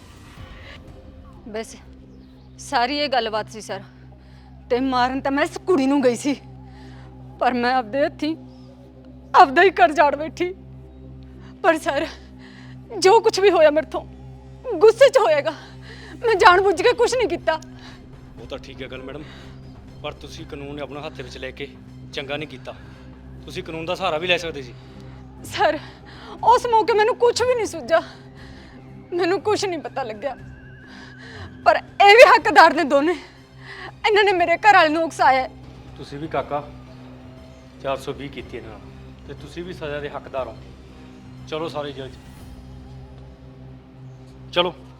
Speaker 7: ਬਸ ਸਾਰੀ ਇਹ ਗੱਲਬਾਤ ਸੀ ਸਰ, ਤੇ ਮਾਰਨ ਤਾਂ ਮੈਂ ਇਸ ਕੁੜੀ ਨੂੰ ਗਈ ਸੀ, ਪਰ ਮੈਂ ਆਪਦੇ ਹੱਥੀਂ ਆਪਦਾ ਹੀ ਘਰ ਜਾੜ ਬੈਠੀ। ਪਰ ਸਰ ਜੋ ਕੁਝ ਵੀ ਹੋਇਆ ਮੇਰੇ ਤੋਂ ਗੁੱਸੇ 'ਚ ਹੋਏਗਾ, ਮੈਂ ਜਾਣਬੁੱਝ ਕੇ ਕੁਝ ਨਹੀਂ ਕੀਤਾ।
Speaker 8: ਉਹ ਤਾਂ ਠੀਕ ਹੈ ਗੱਲ ਮੈਡਮ, ਪਰ ਤੁਸੀਂ ਕਾਨੂੰਨ ਆਪਣਾ ਹੱਥ ਵਿੱਚ ਲੈ ਕੇ ਚੰਗਾ ਨਹੀਂ ਕੀਤਾ। ਤੁਸੀਂ ਕਾਨੂੰਨ ਦਾ ਸਹਾਰਾ ਵੀ ਲੈ ਸਕਦੇ ਸੀ।
Speaker 7: ਸਰ ਉਸ ਮੌਕੇ ਮੈਨੂੰ ਕੁਝ ਵੀ ਨਹੀਂ ਸੁੱਝਾ, ਮੈਨੂੰ ਕੁਝ ਨਹੀਂ ਪਤਾ ਲੱਗਿਆ, ਪਰ ਇਹ ਵੀ ਹੱਕਦਾਰ ਨੇ ਦੋਨੇ। ਇਹਨਾਂ ਨੇ ਮੇਰੇ ਘਰ ਵਾਲੇ ਨੂੰ ਉਕਸਾਇਆ।
Speaker 8: ਤੁਸੀਂ ਵੀ ਕਾਕਾ 420 ਕੀਤੀ ਇਹਨਾਂ ਨਾਲ, ਤੇ ਤੁਸੀਂ ਵੀ ਸਜ਼ਾ ਦੇ ਹੱਕਦਾਰ ਹੋ। ਚਲੋ ਸਾਰੇ ਜੇਲ੍ਹ 'ਚ ਚਲੋ।